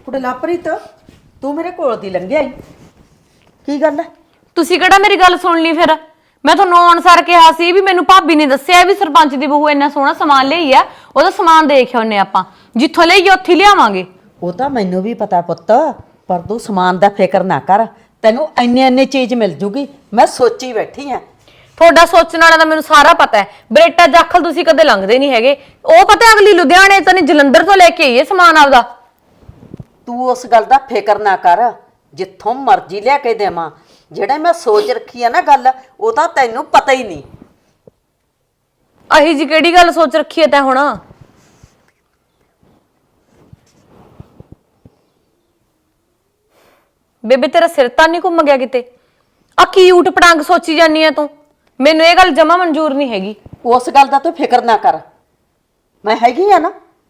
ਕੁੜੇ ਲਾਪਰੀਤ ਤੂੰ ਮੇਰੇ ਕੋਲ ਦੀ ਲੰਘਿਆ ਈ ਕੀ ਗੱਲ ਹੈ? ਤੁਸੀਂ ਕਿਹੜਾ ਮੇਰੀ ਗੱਲ ਸੁਣ ਲਈ ਫਿਰ? ਮੈਂ ਤੁਹਾਨੂੰ ਅਨਸਾਰ ਕਿਹਾ ਸੀ ਵੀ ਮੈਨੂੰ ਭਾਬੀ ਨੇ ਦੱਸਿਆ ਵੀ ਸਰਪੰਚ ਦੀ ਬਹੂ ਇੰਨਾ ਸੋਹਣਾ ਸਮਾਨ ਲਈ ਆ, ਉਹਦਾ ਸਮਾਨ ਦੇਖ ਆਉਨੇ ਆਪਾਂ, ਜਿੱਥੋਂ ਲਈਏ ਉੱਥੇ ਲਿਆਵਾਂਗੇ। ਉਹ ਤਾਂ ਮੈਨੂੰ ਵੀ ਪਤਾ ਪੁੱਤ, ਪਰ ਤੂੰ ਸਮਾਨ ਦਾ ਫਿਕਰ ਨਾ ਕਰ, ਤੈਨੂੰ ਇੰਨੇ ਚੀਜ਼ ਮਿਲ ਜੂਗੀ। ਮੈਂ ਸੋਚੀ ਬੈਠੀ ਆ। ਤੁਹਾਡਾ ਸੋਚਣ ਵਾਲਾ ਤਾਂ ਮੈਨੂੰ ਸਾਰਾ ਪਤਾ ਹੈ। ਬਰੇਟਾ ਜਾਖਲ ਤੁਸੀਂ ਕਦੇ ਲੰਘਦੇ ਨਹੀਂ ਹੈਗੇ। ਉਹ ਪਤਾ ਅਗਲੀ ਲੁਧਿਆਣੇ ਤੋਂ ਨਹੀਂ ਜਲੰਧਰ ਤੋਂ ਲੈ ਕੇ ਆਈਏ ਸਮਾਨ ਆਪਦਾ। ਤੂੰ ਉਸ ਗੱਲ ਦਾ ਫਿਕਰ ਨਾ ਕਰ, ਜਿੱਥੋਂ ਮਰਜ਼ੀ ਲਿਆ ਕੇ ਦੇਵਾਂ। ਜਿਹੜਾ ਮੈਂ ਸੋਚ ਰੱਖੀ ਆ ਨਾ ਗੱਲ, ਉਹ ਤਾਂ ਤੈਨੂੰ ਪਤਾ ਹੀ ਨਹੀਂ। ਅਹੀ ਜੀ ਕਿਹੜੀ ਗੱਲ ਸੋਚ ਰੱਖੀ ਹੈ ਤੈਂ ਹੁਣ? ਬੇਬੇ ਤੇਰਾ ਸਿਰ ਤਾਂ ਨਹੀਂ ਘੁੰਮ ਗਿਆ ਕਿਤੇ? ਆ ਕੀ ਊਟ ਪਟਾਂਗ ਸੋਚੀ ਜਾਨੀ ਆ ਤੂੰ? ਮੈਨੂੰ ਇਹ ਗੱਲ ਜਮਾ ਮਨਜ਼ੂਰ ਨਹੀਂ ਹੈਗੀ। ਉਸ ਗੱਲ ਦਾ ਤੂੰ ਫਿਕਰ ਨਾ ਕਰ, ਮੈਂ ਹੈਗੀ ਆ ਨਾ।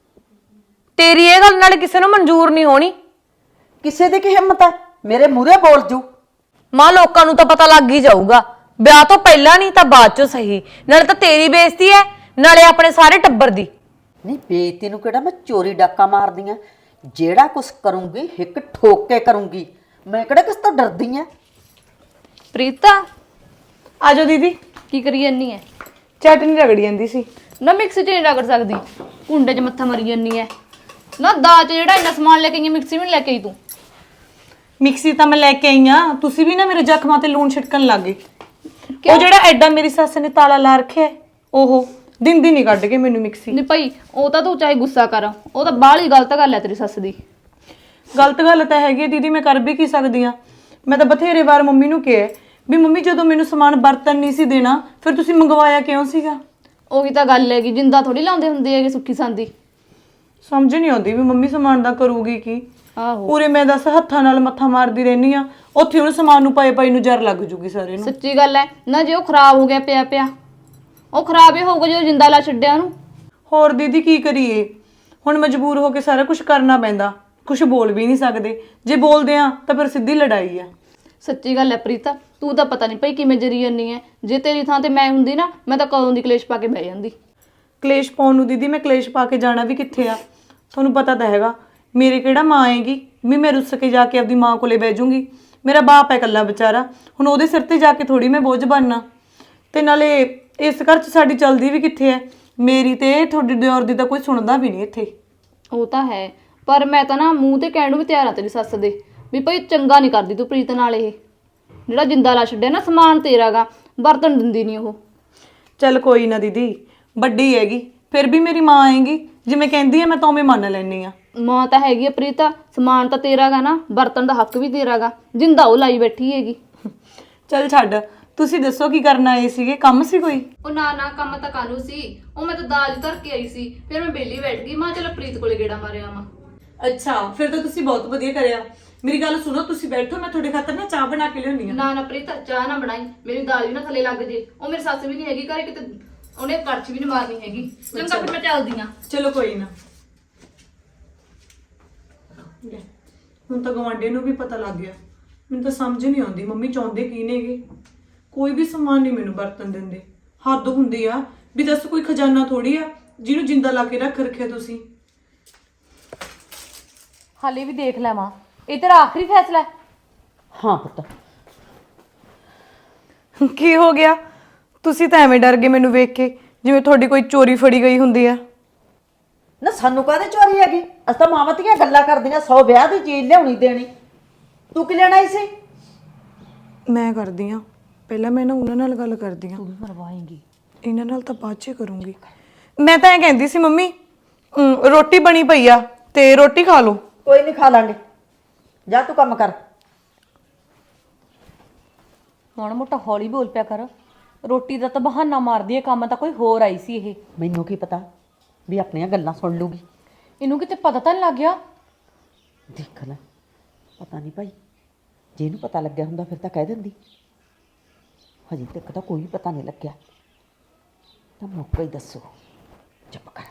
ਤੇਰੀ ਇਹ ਗੱਲ ਨਾਲ ਕਿਸੇ ਨੂੰ ਮਨਜ਼ੂਰ ਨਹੀਂ ਹੋਣੀ। ਕਿਸੇ ਦੀ ਕੀ ਹਿੰਮਤ ਹੈ ਮੇਰੇ ਮੂਹਰੇ ਬੋਲ ਜੂ? ਮਾਂ ਲੋਕਾਂ ਨੂੰ ਤਾਂ ਪਤਾ ਲੱਗ ਹੀ ਜਾਊਗਾ, ਵਿਆਹ ਤੋਂ ਪਹਿਲਾਂ ਨਹੀਂ ਤਾਂ ਬਾਅਦ ਚੋਂ ਸਹੀ। ਨਾਲੇ ਤਾਂ ਤੇਰੀ ਬੇਇੱਜ਼ਤੀ ਹੈ, ਨਾਲੇ ਆਪਣੇ ਸਾਰੇ ਟੱਬਰ ਦੀ। ਨਹੀਂ ਬੇਇੱਜ਼ਤੀ ਨੂੰ ਕਿਹੜਾ ਮੈਂ ਚੋਰੀ ਡਾਕਾ ਮਾਰਦੀ ਆ? ਜਿਹੜਾ ਕੁਛ ਕਰੂੰਗੀ ਹਿੱਕ ਠੋਕ ਕੇ ਕਰੂੰਗੀ। ਮੈਂ ਕਿਹੜਾ ਕਿਸ ਤੋਂ ਡਰਦੀ ਆ? ਪ੍ਰੀਤਾ ਆਜੋ ਦੀਦੀ। ਕੀ ਕਰੀ ਜਾਨੀ ਐ? ਚਟਨੀ ਰਗੜੀ ਜਾਂਦੀ ਸੀ। ਨਾ ਮਿਕਸੀ ਚ ਨਹੀਂ ਰਗੜ ਸਕਦੀ, ਕੁੰਡੇ 'ਚ ਮੱਥਾ ਮਰੀ ਜਾਨੀ ਐ। ਨਾ ਦਾਜ ਜਿਹੜਾ ਇੰਨਾ ਸਮਾਨ ਲੈ ਕੇ ਆਈ ਮਿਕਸੀ ਵੀ ਨਹੀਂ ਲੈ ਕੇ ਆਈ ਤੂੰ। ਮਿਕਸੀ ਤਾਂ ਮੈਂ ਲੈ ਕੇ ਆਈ ਆ, ਤੁਸੀਂ ਵੀ ਨਾ ਮੇਰੇ ਜ਼ਖਮਾਂ ਤੇ ਲੂਣ ਛਿੜਕਣ ਲੱਗ ਗਏ। ਉਹ ਜਿਹੜਾ ਐਡਾ ਮੇਰੀ ਸੱਸ ਨੇ ਤਾਲਾ ਲਾ ਰੱਖਿਆ, ਉਹ ਦਿੰਦੀ ਨਹੀਂ ਕੱਢ ਕੇ ਮੈਨੂੰ ਮਿਕਸੀ। ਨਹੀਂ ਭਾਈ, ਉਹ ਤਾਂ ਤੂੰ ਚਾਹੇ ਗੁੱਸਾ ਕਰ, ਉਹ ਤਾਂ ਬਾਹਲੀ ਗਲਤ ਗੱਲ ਐ ਤੇਰੀ ਸੱਸ ਦੀ। ਗਲਤ ਗੱਲ ਤਾਂ ਹੈਗੀ ਹੈ ਦੀਦੀ, ਮੈਂ ਕਰ ਵੀ ਕੀ ਸਕਦੀ ਆ। ਮੈਂ ਤਾਂ ਬਥੇਰੇ ਵਾਰ ਮੰਮੀ ਨੂੰ ਕਿਹਾ ਵੀ ਮੰਮੀ ਜਦੋਂ ਮੈਨੂੰ ਸਮਾਨ ਬਰਤਨ ਨਹੀਂ ਸੀ ਦੇਣਾ, ਫਿਰ ਤੁਸੀਂ ਮੰਗਵਾਇਆ ਕਿਉਂ ਸੀਗਾ? ਉਹੀ ਤਾਂ ਗੱਲ ਹੈਗੀ, ਜਿੰਦਾ ਥੋੜੀ ਲਾਉਂਦੇ ਹੁੰਦੇ ਹੈਗੇ ਸੁੱਖੀ ਸੰਦੀ। ਸਮਝ ਨਹੀਂ ਆਉਂਦੀ ਵੀ ਮੰਮੀ ਸਮਾਨ ਦਾ ਕਰੂਗੀ ਕੀ। ਆਹੋ ਪੂਰੇ ਮੈਂ ਦੱਸ ਹੱਥਾਂ ਨਾਲ ਮੱਥਾ ਮਾਰਦੀ ਰਹਿਨੀ ਆ, ਉੱਥੇ ਉਹਨੂੰ ਸਮਾਨ ਨੂੰ ਪਏ ਨੂੰ ਜ਼ਰ ਲੱਗ ਜੂਗੀ ਸਾਰੇ ਨੂੰ। ਸੱਚੀ ਗੱਲ ਐ ਨਾ, ਜੇ ਉਹ ਖਰਾਬ ਹੋ ਗਿਆ ਪਿਆ ਉਹ ਖਰਾਬ ਹੀ ਹੋਊਗਾ ਜਦੋਂ ਜਿੰਦਾ ਲਾ ਛੱਡਿਆ ਉਹਨੂੰ। ਹੋਰ ਦੀਦੀ ਕੀ ਕਰੀਏ, ਹੁਣ ਮਜਬੂਰ ਹੋ ਕੇ ਸਾਰਾ ਕੁਝ ਕਰਨਾ ਪੈਂਦਾ। ਕੁਝ ਬੋਲ ਵੀ ਨਹੀਂ ਸਕਦੇ, ਜੇ ਬੋਲਦੇ ਆ ਤਾਂ ਫਿਰ ਸਿੱਧੀ ਲੜਾਈ ਆ। ਸੱਚੀ ਗੱਲ ਐ ਪ੍ਰੀਤਾ, ਤੂੰ ਤਾਂ ਪਤਾ ਨਹੀਂ ਭਾਈ ਕਿਵੇਂ ਜਰੀ ਜਾਨੀ ਐ। ਜੇ ਤੇਰੀ ਥਾਂ ਤੇ ਮੈਂ ਹੁੰਦੀ ਨਾ, ਮੈਂ ਤਾਂ ਕਦੋਂ ਦੀ ਕਲੇਸ਼ ਪਾ ਕੇ ਬਹਿ ਜਾਂਦੀ। ਕਲੇਸ਼ ਪਾਉਣ ਨੂੰ ਦੀਦੀ ਮੈਂ ਕਲੇਸ਼ ਪਾ ਕੇ ਜਾਣਾ ਵੀ ਕਿੱਥੇ ਆ? ਤੁਹਾਨੂੰ ਪਤਾ ਤਾਂ ਹੈਗਾ ਮੇਰੇ ਕਿਹੜਾ ਮਾਂ ਆਏਗੀ ਵੀ ਮੈਂ ਰੁੱਸ ਕੇ ਜਾ ਕੇ ਆਪਦੀ ਮਾਂ ਕੋਲੇ ਬਹਿ ਜੂੰਗੀ। ਮੇਰਾ ਬਾਪ ਹੈ ਇਕੱਲਾ ਵਿਚਾਰਾ, ਹੁਣ ਉਹਦੇ ਸਿਰ ਤੇ ਜਾ ਕੇ ਥੋੜੀ ਮੈਂ ਬੋਝ ਬਣਨਾ। ਤੇ ਨਾਲੇ ਇਸ ਘਰ 'ਚ ਸਾਡੀ ਚਲਦੀ ਵੀ ਕਿੱਥੇ ਹੈ? ਮੇਰੀ ਤੇ ਤੁਹਾਡੀ ਦਿਓਰ ਦੀ ਤਾਂ ਕੋਈ ਸੁਣਦਾ ਵੀ ਨਹੀਂ ਇੱਥੇ। ਉਹ ਤਾਂ ਹੈ, ਪਰ ਮੈਂ ਤਾਂ ਨਾ ਮੂੰਹ ਤੇ ਕਹਿਣ ਨੂੰ ਵੀ ਤਿਆਰ ਆ ਤੇਰੀ ਸੱਸ ਦੇ ਵੀ ਭਾਈ ਚੰਗਾ ਨਹੀਂ ਕਰਦੀ ਤੂੰ ਪ੍ਰੀਤ ਨਾਲ। ਇਹ ਜਿਹੜਾ ਜਿੰਦਾ ਲਾ ਛੱਡਿਆ ਨਾ, ਸਮਾਨ ਤੇਰਾਗਾ, ਬਰਤਨ ਦਿੰਦੀ ਨਹੀਂ ਉਹ। ਚੱਲ ਕੋਈ ਨਾ ਦੀਦੀ, ਵੱਡੀ ਹੈਗੀ, ਫਿਰ ਵੀ ਮੇਰੀ ਮਾਂ ਆਏਗੀ, ਜਿਵੇਂ ਕਹਿੰਦੀ ਹੈ ਮੈਂ ਤਾਂ ਉਵੇਂ ਮੰਨ ਲੈਣੀ ਆ। ਮਾਂ ਤਾਂ ਹੈਗੀ ਆ ਪ੍ਰੀਤਾ, ਸਮਾਨ ਤਾਂ ਤੇਰਾਗਾ ਨਾ, ਬਰਤਨ ਦਾ ਹੱਕ ਵੀ ਤੇਰਾਗਾ, ਜਿੰਦਾ ਉਹ ਲਾਈ ਬੈਠੀ ਹੈਗੀ। ਚੱਲ ਛੱਡ, ਤੁਸੀਂ ਦੱਸੋ ਕੀ ਕਰਨ ਆਏ ਸੀਗੇ? ਕੰਮ ਸੀ ਕੋਈ? ਉਹ ਨਾ ਕੰਮ ਤਾਂ ਕਾਨੂੰ ਸੀ, ਉਹ ਮੈਂ ਤਾਂ ਦਾਜ ਧਰ ਕੇ ਆਈ ਸੀ, ਫਿਰ ਮੈਂ ਬੇਲੀ ਬੈਠ ਗਈ। ਮਾਂ ਚਲ ਪ੍ਰੀਤ ਕੋਲੇ ਗੇੜਾ ਮਾਰਿਆ ਆਵਾਂ। ਅੱਛਾ, ਫਿਰ ਤਾਂ ਤੁਸੀਂ ਬਹੁਤ ਵਧੀਆ ਕਰਿਆ। ਮੇਰੀ ਗੱਲ ਸੁਣੋ, ਤੁਸੀਂ ਬੈਠੋ, ਮੈਂ ਤੁਹਾਡੇ ਖਾਤਰ ਨਾ ਚਾਹ ਬਣਾ ਕੇ ਲਿਆਉਣੀ ਆ। ਨਾ ਪ੍ਰੀਤ, ਚਾਹ ਨਾ ਬਣਾਈ, ਮੇਰੀ ਦਾਲ ਵੀ ਨਾ ਥੱਲੇ ਲੱਗ ਜੇ। ਉਹ ਮੇਰੀ ਸੱਸ ਵੀ ਨਹੀਂ ਹੈਗੀ ਘਰੇ, ਕਿਤੇ ਉਹਨੇ ਕੜਛ ਵੀ ਨਹੀਂ ਮਾਰਨੀ ਹੈਗੀ। ਚੰਗਾ ਫਿਰ ਮੈਂ ਚੱਲਦੀ ਆ। ਚਲੋ ਕੋਈ ਨਾ। ਹੁਣ ਤਾਂ ਗਵਾਂਢੀ ਨੂੰ ਵੀ ਪਤਾ ਲੱਗ ਗਿਆ। ਮੈਨੂੰ ਤਾਂ ਸਮਝ ਨਹੀਂ ਆਉਂਦੀ ਮੰਮੀ ਚਾਹੁੰਦੇ ਕੀ ਨੇਗੇ। ਕੋਈ ਵੀ ਸਮਾਨ ਨਹੀਂ ਮੈਨੂੰ ਵਰਤਨ ਦਿੰਦੇ। ਹੱਦ ਹੁੰਦੀ ਆ ਵੀ ਦੱਸ, ਕੋਈ ਖਜ਼ਾਨਾ ਥੋੜੀ ਆ ਜਿਹਨੂੰ ਜਿੰਦਾ ਲਾ ਕੇ ਰੱਖ ਰੱਖਿਆ ਤੁਸੀਂ। ਹਾਲੇ ਵੀ ਦੇਖ ਲੈ ਮਾਂ, ਇਹ ਤੇਰਾ ਆਖਰੀ ਫੈਸਲਾ ਹੈ? ਹਾਂ ਪੁੱਤ। ਕੀ ਹੋ ਗਿਆ? ਤੁਸੀਂ ਤਾਂ ਐਵੇਂ ਡਰ ਗਏ ਮੈਨੂੰ ਵੇਖ ਕੇ, ਜਿਵੇਂ ਤੁਹਾਡੀ ਕੋਈ ਚੋਰੀ ਫੜੀ ਗਈ ਹੁੰਦੀ ਆ। ਨਾ ਸਾਨੂੰ ਕਾਹਦੇ ਚੋਰੀ ਹੈਗੀ? ਅਸੀਂ ਤਾਂ ਮਾਵਾਂ ਧੀਆਂ ਗੱਲਾਂ ਕਰਦੀਆਂ, 100 ਵਿਆਹ ਦੀ ਚੀਜ਼ ਲਿਆਉਣੀ ਦੇਣੀ। ਤੂੰ ਕੀ ਲੈਣਾ ਸੀ? ਮੈਂ ਕਰਦੀ ਆ, ਪਹਿਲਾਂ ਮੈਂ ਨਾ ਉਹਨਾਂ ਨਾਲ ਗੱਲ ਕਰਦੀ ਆ। ਤੂੰ ਵੀ ਮਰਵਾਏਂਗੀ। ਇਹਨਾਂ ਨਾਲ ਤਾਂ ਬਾਅਦ 'ਚ ਕਰੂੰਗੀ। ਮੈਂ ਤਾਂ ਇਹ ਕਹਿੰਦੀ ਸੀ ਮੰਮੀ, ਰੋਟੀ ਬਣੀ ਪਈ ਆ ਤੇ ਰੋਟੀ ਖਾ ਲਓ। ਕੋਈ ਨਹੀਂ, ਖਾ ਲਾਂਗੇ। ਜਾ ਤੂੰ ਕੰਮ ਕਰ। ਮਾੜਾ ਮੋਟਾ ਹੌਲੀ ਬੋਲ ਪਿਆ ਕਰ। ਰੋਟੀ ਦਾ ਤਾਂ ਬਹਾਨਾ ਮਾਰਦੀ ਹੈ, ਕੰਮ ਤਾਂ ਕੋਈ ਹੋਰ ਆਈ ਸੀ ਇਹ। ਮੈਨੂੰ ਕੀ ਪਤਾ ਵੀ ਆਪਣੀਆਂ ਗੱਲਾਂ ਸੁਣ ਲੂਗੀ। ਇਹਨੂੰ ਕਿਤੇ ਪਤਾ ਤਾਂ ਨਹੀਂ ਲੱਗ ਗਿਆ? ਦੇਖ ਲੈ, ਪਤਾ ਨਹੀਂ ਭਾਈ, ਜੇ ਇਹਨੂੰ ਪਤਾ ਲੱਗਿਆ ਹੁੰਦਾ ਫਿਰ ਤਾਂ ਕਹਿ ਦਿੰਦੀ। ਹਜੇ ਤੱਕ ਤਾਂ ਕੋਈ ਪਤਾ ਨਹੀਂ ਲੱਗਿਆ, ਤਾਂ ਮੌਕਾ ਹੀ ਦੱਸੋ। ਚੁੱਪ ਕਰ।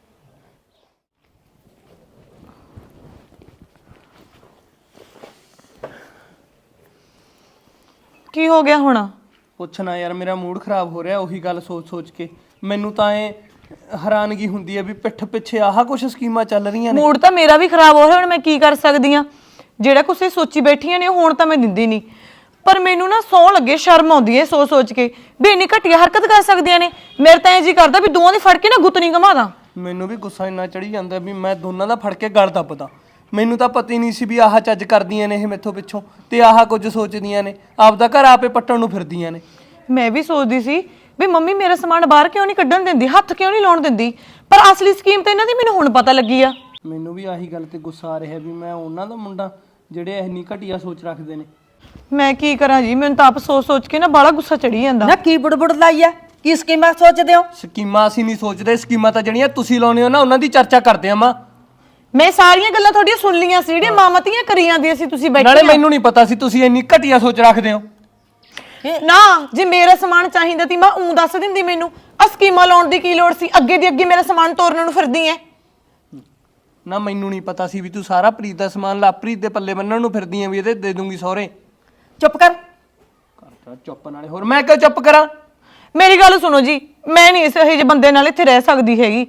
ਕੀ ਹੋ ਗਿਆ ਹੁਣ? ਪੁੱਛਣਾ ਯਾਰ, ਮੇਰਾ ਮੂਡ ਖਰਾਬ ਹੋ ਰਿਹਾ ਉਹੀ ਗੱਲ ਸੋਚ ਸੋਚ ਕੇ। ਮੈਨੂੰ ਤਾਂ ਹੈਰਾਨਗੀ ਹੁੰਦੀ ਹੈ ਵੀ ਪਿੱਠ ਪਿੱਛੇ ਆਹ ਕੁਛ ਸਕੀਮਾਂ ਚੱਲ ਰਹੀਆਂ ਨੇ। ਮੂਡ ਤਾਂ ਮੇਰਾ ਵੀ ਖਰਾਬ ਹੋ ਰਿਹਾ, ਹੁਣ ਮੈਂ ਕੀ ਕਰ ਸਕਦੀ ਆ। ਜਿਹੜਾ ਕੁਛ ਇਹ ਸੋਚੀ ਬੈਠੀਆਂ ਨੇ ਹੁਣ ਤਾਂ ਮੈਂ ਦਿੰਦੀ ਨਹੀਂ, ਪਰ ਮੈਨੂੰ ਨਾ ਸੌ ਲੱਗੇ, ਸ਼ਰਮ ਆਉਂਦੀ ਹੈ ਸੋਚ ਕੇ ਵੀ ਇੰਨੀ ਘਟੀਆ ਹਰਕਤ ਕਰ ਸਕਦੀਆਂ ਨੇ। ਮੇਰੇ ਤਾਂ ਇਹ ਜੀ ਕਰਦਾ ਵੀ ਦੋਵਾਂ ਦੀ ਫੜ ਕੇ ਨਾ ਗੁੱਤਨੀ ਘਮਾ ਦਾਂ। ਮੈਨੂੰ ਵੀ ਗੁੱਸਾ ਇੰਨਾ ਚੜੀ ਜਾਂਦਾ ਵੀ ਮੈਂ ਦੋਨਾਂ ਦਾ ਫੜ ਕੇ ਗਲ ਦੱਬਦਾ। ਮੈਨੂੰ ਤਾਂ ਪਤਾ ਹੀ ਨਹੀਂ ਸੀ ਵੀ ਆਹ ਚੱਜ ਕਰਦੀਆਂ ਨੇ ਇਹ ਮੈਥੋਂ ਪਿੱਛੋਂ, ਤੇ ਆਹ ਕੁਝ ਸੋਚਦੀਆਂ ਨੇ, ਆਪਦਾ ਘਰ ਆਪੇ ਪੱਟਣ ਨੂੰ ਫਿਰਦੀਆਂ ਨੇ। ਮੈਂ ਵੀ ਸੋਚਦੀ ਸੀ ਵੀ ਮੰਮੀ ਮੇਰਾ ਸਮਾਨ ਬਾਹਰ ਕਿਉਂ ਨਹੀਂ ਕੱਢਣ ਦਿੰਦੀ, ਹੱਥ ਕਿਉਂ ਨਹੀਂ ਲਾਉਣ ਦਿੰਦੀ, ਪਰ ਅਸਲੀ ਸਕੀਮ ਤਾਂ ਇਹਨਾਂ ਦੀ ਮੈਨੂੰ ਹੁਣ ਪਤਾ ਲੱਗੀ ਆ। ਮੈਨੂੰ ਵੀ ਆਹੀ ਗੱਲ ਤੇ ਗੁੱਸਾ ਆ ਰਿਹਾ ਵੀ ਮੈਂ ਉਹਨਾਂ ਦਾ ਮੁੰਡਾ ਜਿਹੜੇ ਇੰਨੀ ਘਟੀਆ ਸੋਚ ਰੱਖਦੇ ਨੇ। ਮੈਂ ਕੀ ਕਰਾਂ ਜੀ, ਮੈਨੂੰ ਤਾਂ ਆਪ ਸੋਚ ਕੇ ਨਾ ਬਾਹਲਾ ਗੁੱਸਾ ਚੜੀ ਜਾਂਦਾ। ਨਾ ਕੀ ਬੁੜਬੁੜ ਲਾਈ ਆ, ਕੀ ਸਕੀਮਾਂ ਸੋਚਦੇ ਹੋ? ਸਕੀਮਾਂ ਅਸੀਂ ਨਹੀਂ ਸੋਚਦੇ, ਸਕੀਮਾਂ ਤਾਂ ਜਿਹੜੀਆਂ ਤੁਸੀਂ ਲਾਉਂਦੇ ਹੋ ਨਾ ਉਹਨਾਂ ਦੀ ਚਰਚਾ ਕਰਦੇ ਆ। ਮਾਂ ਮੈਂ ਸਾਰੀਆਂ ਗੱਲਾਂ ਤੁਹਾਡੀਆਂ ਸੁਣ ਲੀਆਂ ਸੀ, ਜਿਹੜੀਆਂ ਮਾਮਤੀਆਂ ਕਰੀ ਜਾਂਦੀਆਂ ਸੀ ਤੁਸੀਂ ਬੈਠੇ। ਨਾਲੇ ਮੈਨੂੰ ਨਹੀਂ ਪਤਾ ਸੀ ਤੁਸੀਂ ਇੰਨੀ ਘਟੀਆ ਸੋਚ ਰੱਖਦੇ ਹੋ। ਨਾ ਜੇ ਮੇਰਾ ਸਮਾਨ ਚਾਹੀਦਾ ਤੀ ਮੈਂ ਉਂ ਦੱਸ ਦਿੰਦੀ, ਮੈਨੂੰ ਆ ਸਕੀਮਾਂ ਲਾਉਣ ਦੀ ਕੀ ਲੋੜ ਸੀ? ਅੱਗੇ ਦੀ ਅੱਗੇ ਮੇਰਾ ਸਮਾਨ ਤੋਰਨ ਨੂੰ ਫਿਰਦੀ ਐ। ਨਾ ਮੈਨੂੰ ਨਹੀਂ ਪਤਾ ਸੀ ਵੀ ਤੂੰ ਸਾਰਾ ਪ੍ਰੀਤ ਦਾ ਸਮਾਨ ਲਾਪ੍ਰੀਤ ਦੇ ਪੱਲੇ ਬੰਨਣ ਨੂੰ ਫਿਰਦੀ ਆਂ ਵੀ ਇਹਦੇ ਦੇ ਦੂੰਗੀ ਸਹੁਰੇ। ਚੁੱਪ ਕਰ। ਕਰਤਾ ਚੁੱਪ, ਨਾਲੇ ਹੋਰ ਮੈਂ ਕਿਉਂ ਚੁੱਪ ਕਰਾਂ? ਮੇਰੀ ਗੱਲ ਸੁਣੋ ਜੀ, ਮੈਂ ਨਹੀਂ ਇਸ ਇਹੋ ਜਿਹੇ ਬੰਦੇ ਨਾਲ ਇੱਥੇ ਰਹਿ ਸਕਦੀ ਹੈਗੀ।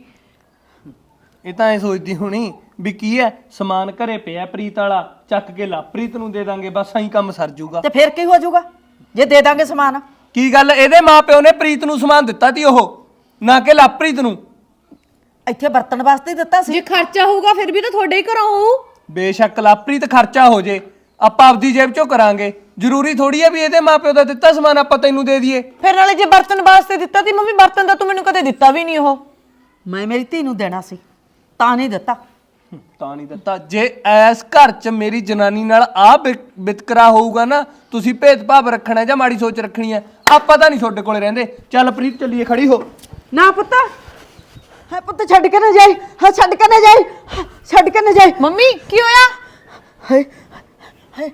ਇਹ ਤਾਂ ਐ ਸੋਚਦੀ ਹੋਣੀ ਵੀ ਕੀ ਹੈ, ਸਮਾਨ ਘਰੇ ਪਿਆ ਪ੍ਰੀਤ ਵਾਲਾ, ਚੱਕ ਕੇ ਲਾਪ੍ਰੀਤ ਨੂੰ ਦੇ ਦਾਂਗੇ, ਬਸ ਐਂ ਕੰਮ ਸਰ ਜੂਗਾ। ਤੇ ਫਿਰ ਕੀ ਹੋ ਜਾਊਗਾ ਜੇ ਦੇ ਦਾਂਗੇ ਸਮਾਨ? ਕੀ ਗੱਲ, ਇਹਦੇ ਮਾਪਿਓ ਨੇ ਪ੍ਰੀਤ ਨੂੰ ਸਮਾਨ ਦਿੱਤਾ ਤੀ ਉਹ, ਨਾ ਕਿ ਲਾਪ੍ਰੀਤ ਨੂੰ। ਇੱਥੇ ਵਰਤਣ ਵਾਸਤੇ ਹੀ ਦਿੱਤਾ ਸੀ। ਜੇ ਖਰਚਾ ਹੋਊਗਾ ਫਿਰ ਵੀ ਤਾਂ ਤੁਹਾਡੇ ਹੀ ਘਰੋਂ ਹੋਊ। ਬੇਸ਼ੱਕ ਲਾਪ੍ਰੀਤ ਖਰਚਾ ਹੋ ਜੇ, ਆਪਾਂ ਆਪਦੀ ਜੇਬ ਚੋਂ ਕਰਾਂਗੇ। ਜ਼ਰੂਰੀ ਥੋੜੀ ਹੈ ਵੀ ਇਹਦੇ ਮਾਪਿਓ ਦਾ ਦਿੱਤਾ ਸਮਾਨ ਆਪਾਂ ਤੈਨੂੰ ਦੇ ਦਈਏ। ਫਿਰ ਨਾਲੇ ਜੇ ਬਰਤਨ ਵਾਸਤੇ ਦਿੱਤਾ ਤੀ ਮੰਮੀ, ਬਰਤਨ ਦਾ ਤੂੰ ਮੈਨੂੰ ਕਦੇ ਦਿੱਤਾ ਵੀ ਨਹੀਂ ਉਹ। ਮੈਂ ਮੇਰੀ ਧੀ ਨੂੰ ਦੇਣਾ ਸੀ ਤਾਂ ਨਹੀਂ ਦਿੱਤਾ। ਤਾਂ ਨਹੀਂ ਦਿੱਤਾ। ਜੇ ਐਸ ਘਰ 'ਚ ਮੇਰੀ ਜਨਾਨੀ ਨਾਲ ਆ ਵਿਤਕਰਾ ਹੋਊਗਾ ਨਾ, ਤੁਸੀਂ ਭੇਦਭਾਵ ਰੱਖਣਾ ਜਾਂ ਮਾੜੀ ਸੋਚ ਰੱਖਣੀ ਹੈ, ਆਪਾਂ ਤਾਂ ਨਹੀਂ ਤੁਹਾਡੇ ਕੋਲੇ ਰਹਿੰਦੇ। ਚੱਲ ਪ੍ਰੀਤ ਚੱਲੀਏ, ਖੜੀ ਹੋ। ਨਾ ਪੁੱਤ, ਹੈ ਪੁੱਤ, ਛੱਡ ਕੇ ਨਾ ਜਾਈ, ਹਾਂ ਛੱਡ ਕੇ ਨਾ ਜਾਈ, ਛੱਡ ਕੇ ਨਾ ਜਾਈ। ਮੰਮੀ ਕੀ ਹੋਇਆ? ਹਾਏ ਹਾਏ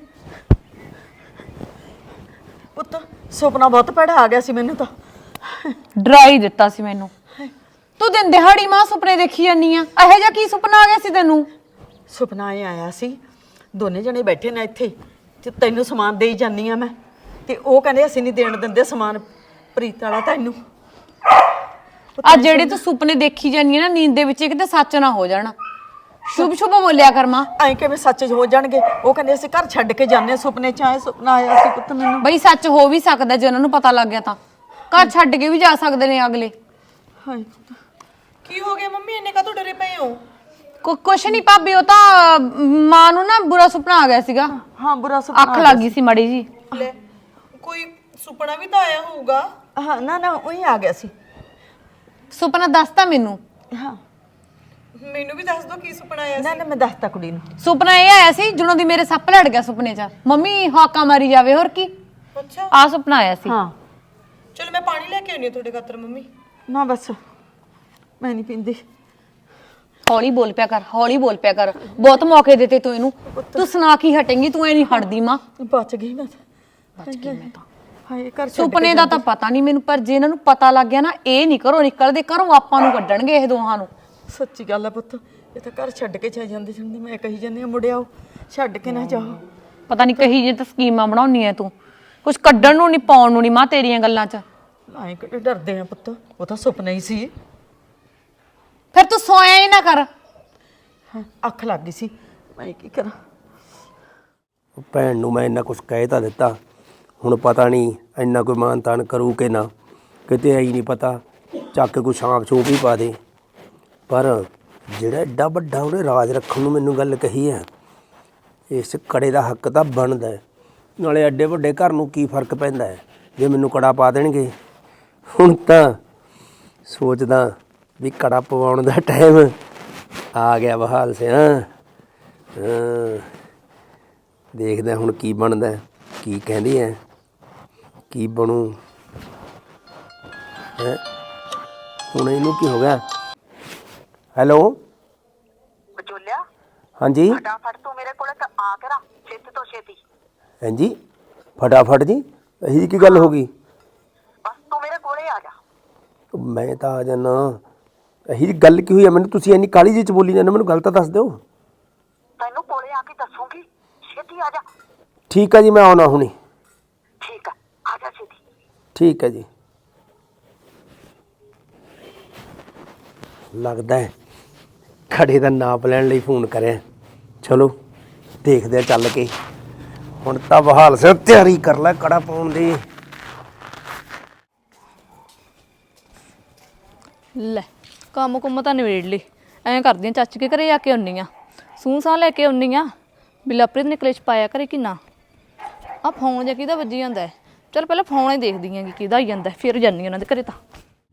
ਪੁੱਤ, ਸੁਪਨਾ ਬਹੁਤ ਭੈੜਾ ਆ ਗਿਆ ਸੀ ਮੈਨੂੰ ਤਾਂ। ਡਰਾ ਹੀ ਦਿੱਤਾ ਸੀ ਮੈਨੂੰ। ਤੂੰ ਦਿਨ ਦਿਹਾੜੀ ਮਾਂ ਸੁਪਨੇ ਦੇਖੀ ਜਾਨੀ ਆ, ਇਹੋ ਜਿਹਾ ਕੀ ਸੁਪਨਾ ਆ ਗਿਆ ਸੀ ਤੈਨੂੰ? ਸੁਪਨਾ ਇਹ ਆਇਆ ਸੀ, ਦੋਨੇ ਜਣੇ ਬੈਠੇ ਨੇ ਇੱਥੇ ਤੇ ਤੈਨੂੰ ਸਮਾਨ ਦੇਈ ਜਾਂਦੀ ਆ ਮੈਂ, ਤੇ ਉਹ ਕਹਿੰਦੇ ਅਸੀਂ ਨਹੀਂ ਦੇਣ ਦਿੰਦੇ ਸਮਾਨ ਪ੍ਰੀਤ ਵਾਲਾ ਤੈਨੂੰ। ਆ ਜਿਹੜੇ ਤੂੰ ਸੁਪਨੇ ਦੇਖੀ ਜਾਨੀ ਆ ਨਾ ਨੀਂਦ ਦੇ ਵਿੱਚ, ਕਿਤੇ ਸੱਚ ਨਾ ਹੋ ਜਾਣਾ। ਸ਼ੁਭ ਸ਼ੁਭ ਬੋਲਿਆ ਕਰ ਮਾਂ। ਐਂ ਕਿਵੇਂ ਸੱਚ ਹੋ ਜਾਣਗੇ? ਉਹ ਕਹਿੰਦੇ ਅਸੀਂ ਘਰ ਛੱਡ ਕੇ ਜਾਂਦੇ, ਸੁਪਨੇ 'ਚ ਆਏ ਸੁਪਨਾ ਆਇਆ ਸੀ ਪੁੱਤ ਮੈਨੂੰ। ਬਈ ਸੱਚ ਹੋ ਵੀ ਸਕਦਾ ਜੇ ਉਹਨਾਂ ਨੂੰ ਪਤਾ ਲੱਗ ਗਿਆ ਤਾਂ, ਘਰ ਛੱਡ ਕੇ ਵੀ ਜਾ ਸਕਦੇ ਨੇ ਅਗਲੇ। ਹਾਏ ਕੀ ਹੋ ਗਿਆ ਮੰਮੀ, ਇੰਨੇ ਕਾਹਤੋਂ ਡਰੇ ਪਏ ਹੋ? ਕੁਛ ਨਹੀਂ ਭਾਬੀ, ਉਹ ਤਾਂ ਮਾਂ ਨੂੰ ਨਾ ਬੁਰਾ ਸੁਪਨਾ ਆ ਗਿਆ ਸੀਗਾ। ਹਾਂ, ਬੁਰਾ ਸੁਪਨਾ ਅੱਖ ਲੱਗ ਗਈ ਸੀ ਮੜੀ ਜੀ। ਲੈ ਕੋਈ ਸੁਪਨਾ ਵੀ ਤਾਂ ਆਇਆ ਹੋਊਗਾ। ਹਾਂ, ਨਾ ਨਾ ਉਹੀ ਆ ਗਿਆ ਸੀ। ਸੁਪਨਾ ਦੱਸਤਾ ਮੈਨੂੰ। ਹਾਂ, ਮੈਨੂੰ ਵੀ ਦੱਸ ਦੋ ਕੀ ਸੁਪਨਾ ਆਇਆ ਨਾ ਨਾ ਮੈਂ ਦੱਸਤਾ ਕੁੜੀ ਨੂੰ। ਸੁਪਨਾ ਇਹ ਆਇਆ ਸੀ ਜਦੋਂ ਦੀ ਮੇਰੇ ਸੱਪ ਲੜ ਗਿਆ ਸੁਪਨੇ 'ਚ, ਮੰਮੀ ਹਾਕਾ ਮਾਰੀ ਜਾਵੇ, ਹੋਰ ਕੀ। ਅੱਛਾ, ਆ ਸੁਪਨਾ ਆਇਆ ਸੀ। ਹਾਂ, ਚਲੋ ਮੈਂ ਪਾਣੀ ਲੈ ਕੇ ਆਉਣੀ ਆ ਤੁਹਾਡੇ ਖਾਤਰ ਮੰਮੀ। ਨਾ ਬਸ ਮੈਂ ਨਹੀਂ ਪੀਂਦੀ। ਹੌਲੀ ਬੋਲ ਪਿਆ ਕਰ, ਹੌਲੀ ਬੋਲ ਪਿਆ ਕਰ, ਬਹੁਤ ਮੌਕੇ ਦਿੱਤੇ ਤੂੰ ਇਹਨੂੰ। ਤੂੰ ਸੁਣਾ ਕੀ ਹਟੇਂਗੀ, ਤੂੰ ਐ ਨਹੀਂ ਹਟਦੀ ਮਾਂ। ਬਚ ਗਈ ਮੈਂ ਤਾਂ। ਬਚ ਗਈ ਮੈਂ ਤਾਂ। ਹਾਏ ਘਰ ਛੱਡ ਸੁਪਨੇ ਦਾ ਤਾਂ ਪਤਾ ਨਹੀਂ ਮੈਨੂੰ, ਪਰ ਜੇ ਇਹਨਾਂ ਨੂੰ ਪਤਾ ਲੱਗ ਗਿਆ ਨਾ, ਇਹ ਨਹੀਂ ਘਰੋਂ ਨਿਕਲਦੇ, ਘਰੋਂ ਆਪਾਂ ਨੂੰ ਕੱਢਣਗੇ ਇਹ ਦੋਹਾਂ ਨੂੰ। ਸੱਚੀ ਗੱਲ ਆ ਪੁੱਤ, ਇਹ ਤਾਂ ਘਰ ਛੱਡ ਕੇ ਚਾ ਜਾਂਦੇ ਜਾਂਦੇ ਮੈਂ ਕਹੀ ਜਾਂਦੀ ਆ ਮੁੜਿਆਓ, ਛੱਡ ਕੇ ਨਾ ਜਾਓ। ਪਤਾ ਨਹੀਂ ਕਹੀ ਜੇ ਤਾਂ ਸਕੀਮਾਂ ਬਣਾਉਣੀ ਐ ਤੂੰ, ਕੁਝ ਕੱਢਣ ਨੂੰ ਨਹੀਂ ਪਾਉਣ ਨੂੰ ਨਹੀਂ ਮਾਂ ਤੇਰੀਆਂ ਗੱਲਾਂ 'ਚ। ਐਂ ਕਿਹੜੇ ਡਰਦੇ ਆ ਪੁੱਤ, ਉਹ ਤਾਂ ਸੁਪਨਾ ਹੀ ਸੀ। ਫਿਰ ਤੂੰ ਸੋਇਆ ਹੀ ਨਾ ਕਰ। ਹਾਂ, ਅੱਖ ਲੱਗ ਗਈ ਸੀ, ਮੈਂ ਕੀ ਕਰਾਂ। ਭੈਣ ਨੂੰ ਮੈਂ ਇੰਨਾ ਕੁਛ ਕਹਿ ਤਾਂ ਦਿੱਤਾ, ਹੁਣ ਪਤਾ ਨਹੀਂ ਇੰਨਾ ਕੋਈ ਮਾਨ ਤਾਨ ਕਰੂ ਕਿ ਨਾ, ਕਿਤੇ ਆਈ ਨਹੀਂ ਪਤਾ ਚੱਕ ਕੇ ਕੋਈ ਛਾਂਪ ਛੂਪ ਹੀ ਪਾ ਦੇ। ਪਰ ਜਿਹੜਾ ਐਡਾ ਵੱਡਾ ਉਹਨੇ ਰਾਜ ਰੱਖਣ ਨੂੰ ਮੈਨੂੰ ਗੱਲ ਕਹੀ ਹੈ, ਇਸ ਕੜੇ ਦਾ ਹੱਕ ਤਾਂ ਬਣਦਾ ਹੈ। ਨਾਲੇ ਐਡੇ ਵੱਡੇ ਘਰ ਨੂੰ ਕੀ ਫਰਕ ਪੈਂਦਾ ਹੈ ਜੇ ਮੈਨੂੰ ਕੜਾ ਪਾ ਦੇਣਗੇ। ਹੁਣ ਤਾਂ ਸੋਚਦਾ ਵੀ ਕੜਾ ਪਵਾਉਣ ਦਾ ਟਾਈਮ ਆ ਗਿਆ ਬਹਾਲ ਸਿਆ। ਦੇਖਦੇ ਹੁਣ ਕੀ ਬਣਦਾ, ਕੀ ਕਹਿੰਦੀ ਹੈ, ਕੀ ਬਣੂ ਹੈ। ਹੁਣ ਇਹਨੂੰ ਕੀ ਹੋ ਗਿਆ? ਹੈਲੋ ਬਚੋਲਿਆ, ਹਾਂਜੀ ਫਟਾਫਟ ਤੂੰ ਮੇਰੇ ਕੋਲੇ ਤਾਂ ਆ ਕੇ ਨਾ, ਛੇਤੀ ਤੋਂ ਛੇਤੀ। ਹਾਂਜੀ ਫਟਾਫਟ ਜੀ, ਇਹੀ ਕੀ ਗੱਲ ਹੋ ਗਈ? ਬਸ ਤੂੰ ਮੇਰੇ ਕੋਲੇ ਆ ਜਾ। ਮੈਂ ਤਾਂ ਆ ਜਾਣਾ। ਇਹੀ ਗੱਲ ਕੀ ਹੋਈ ਹੈ ਮੈਨੂੰ? ਤੁਸੀਂ ਇੰਨੀ ਕਾਹਲੀ ਜਿਹੀ ਚ ਬੋਲੀ ਜਾਂਦੇ, ਮੈਨੂੰ ਗੱਲ ਤਾਂ ਦੱਸ ਦਿਓ। ਤੈਨੂੰ ਕੋਲੇ ਆ ਕੇ ਦੱਸੂਗੀ, ਛੇਤੀ ਆ ਜਾ। ਠੀਕ ਹੈ ਜੀ, ਮੈਂ ਆਉਣਾ ਹੁਣੀ। ਠੀਕ ਆ, ਆ ਜਾ ਛੇਤੀ। ਠੀਕ ਹੈ ਜੀ। ਲੱਗਦਾ ਹੈ ਖੜੇ ਦਾ ਨਾਪ ਲੈਣ ਲਈ ਫੋਨ ਕਰਿਆ। ਚਲੋ ਦੇਖਦੇ ਆ ਚੱਲ ਕੇ। ਹੁਣ ਤਾਂ ਬਹਾਲ ਸੇ ਤਿਆਰੀ ਕਰ ਲੈ ਕੜਾ ਪਾਉਣ ਦੀ। ਲੈ ਕੰਮ ਕੁੰਮ ਤਾਂ ਨਿਬੇੜ ਲਈ। ਐਂ ਕਰਦੀ ਆਂ ਚਾਚੀ ਕੇ ਘਰੇ ਜਾ ਕੇ ਆਉਣੀ ਆ, ਸੂਹ ਸਾਹ ਲੈ ਕੇ ਆਉਣੀ ਆ ਵੀ ਲਵਪ੍ਰੀਤ ਨੇ ਕਲੇਸ਼ ਪਾਇਆ ਕਰੇ ਕਿ ਨਾ। ਆ ਫੋਨ ਜਾਂ ਕਿਹਦਾ ਵੱਜੀ ਜਾਂਦਾ ਹੈ? ਚਲ ਪਹਿਲਾਂ ਫੋਨ ਹੀ ਦੇਖਦੀ ਆਂ ਕਿ ਕਿਹਦਾ ਆਈ ਜਾਂਦਾ, ਫਿਰ ਜਾਂਦੀ ਉਹਨਾਂ ਦੇ ਘਰੇ। ਤਾਂ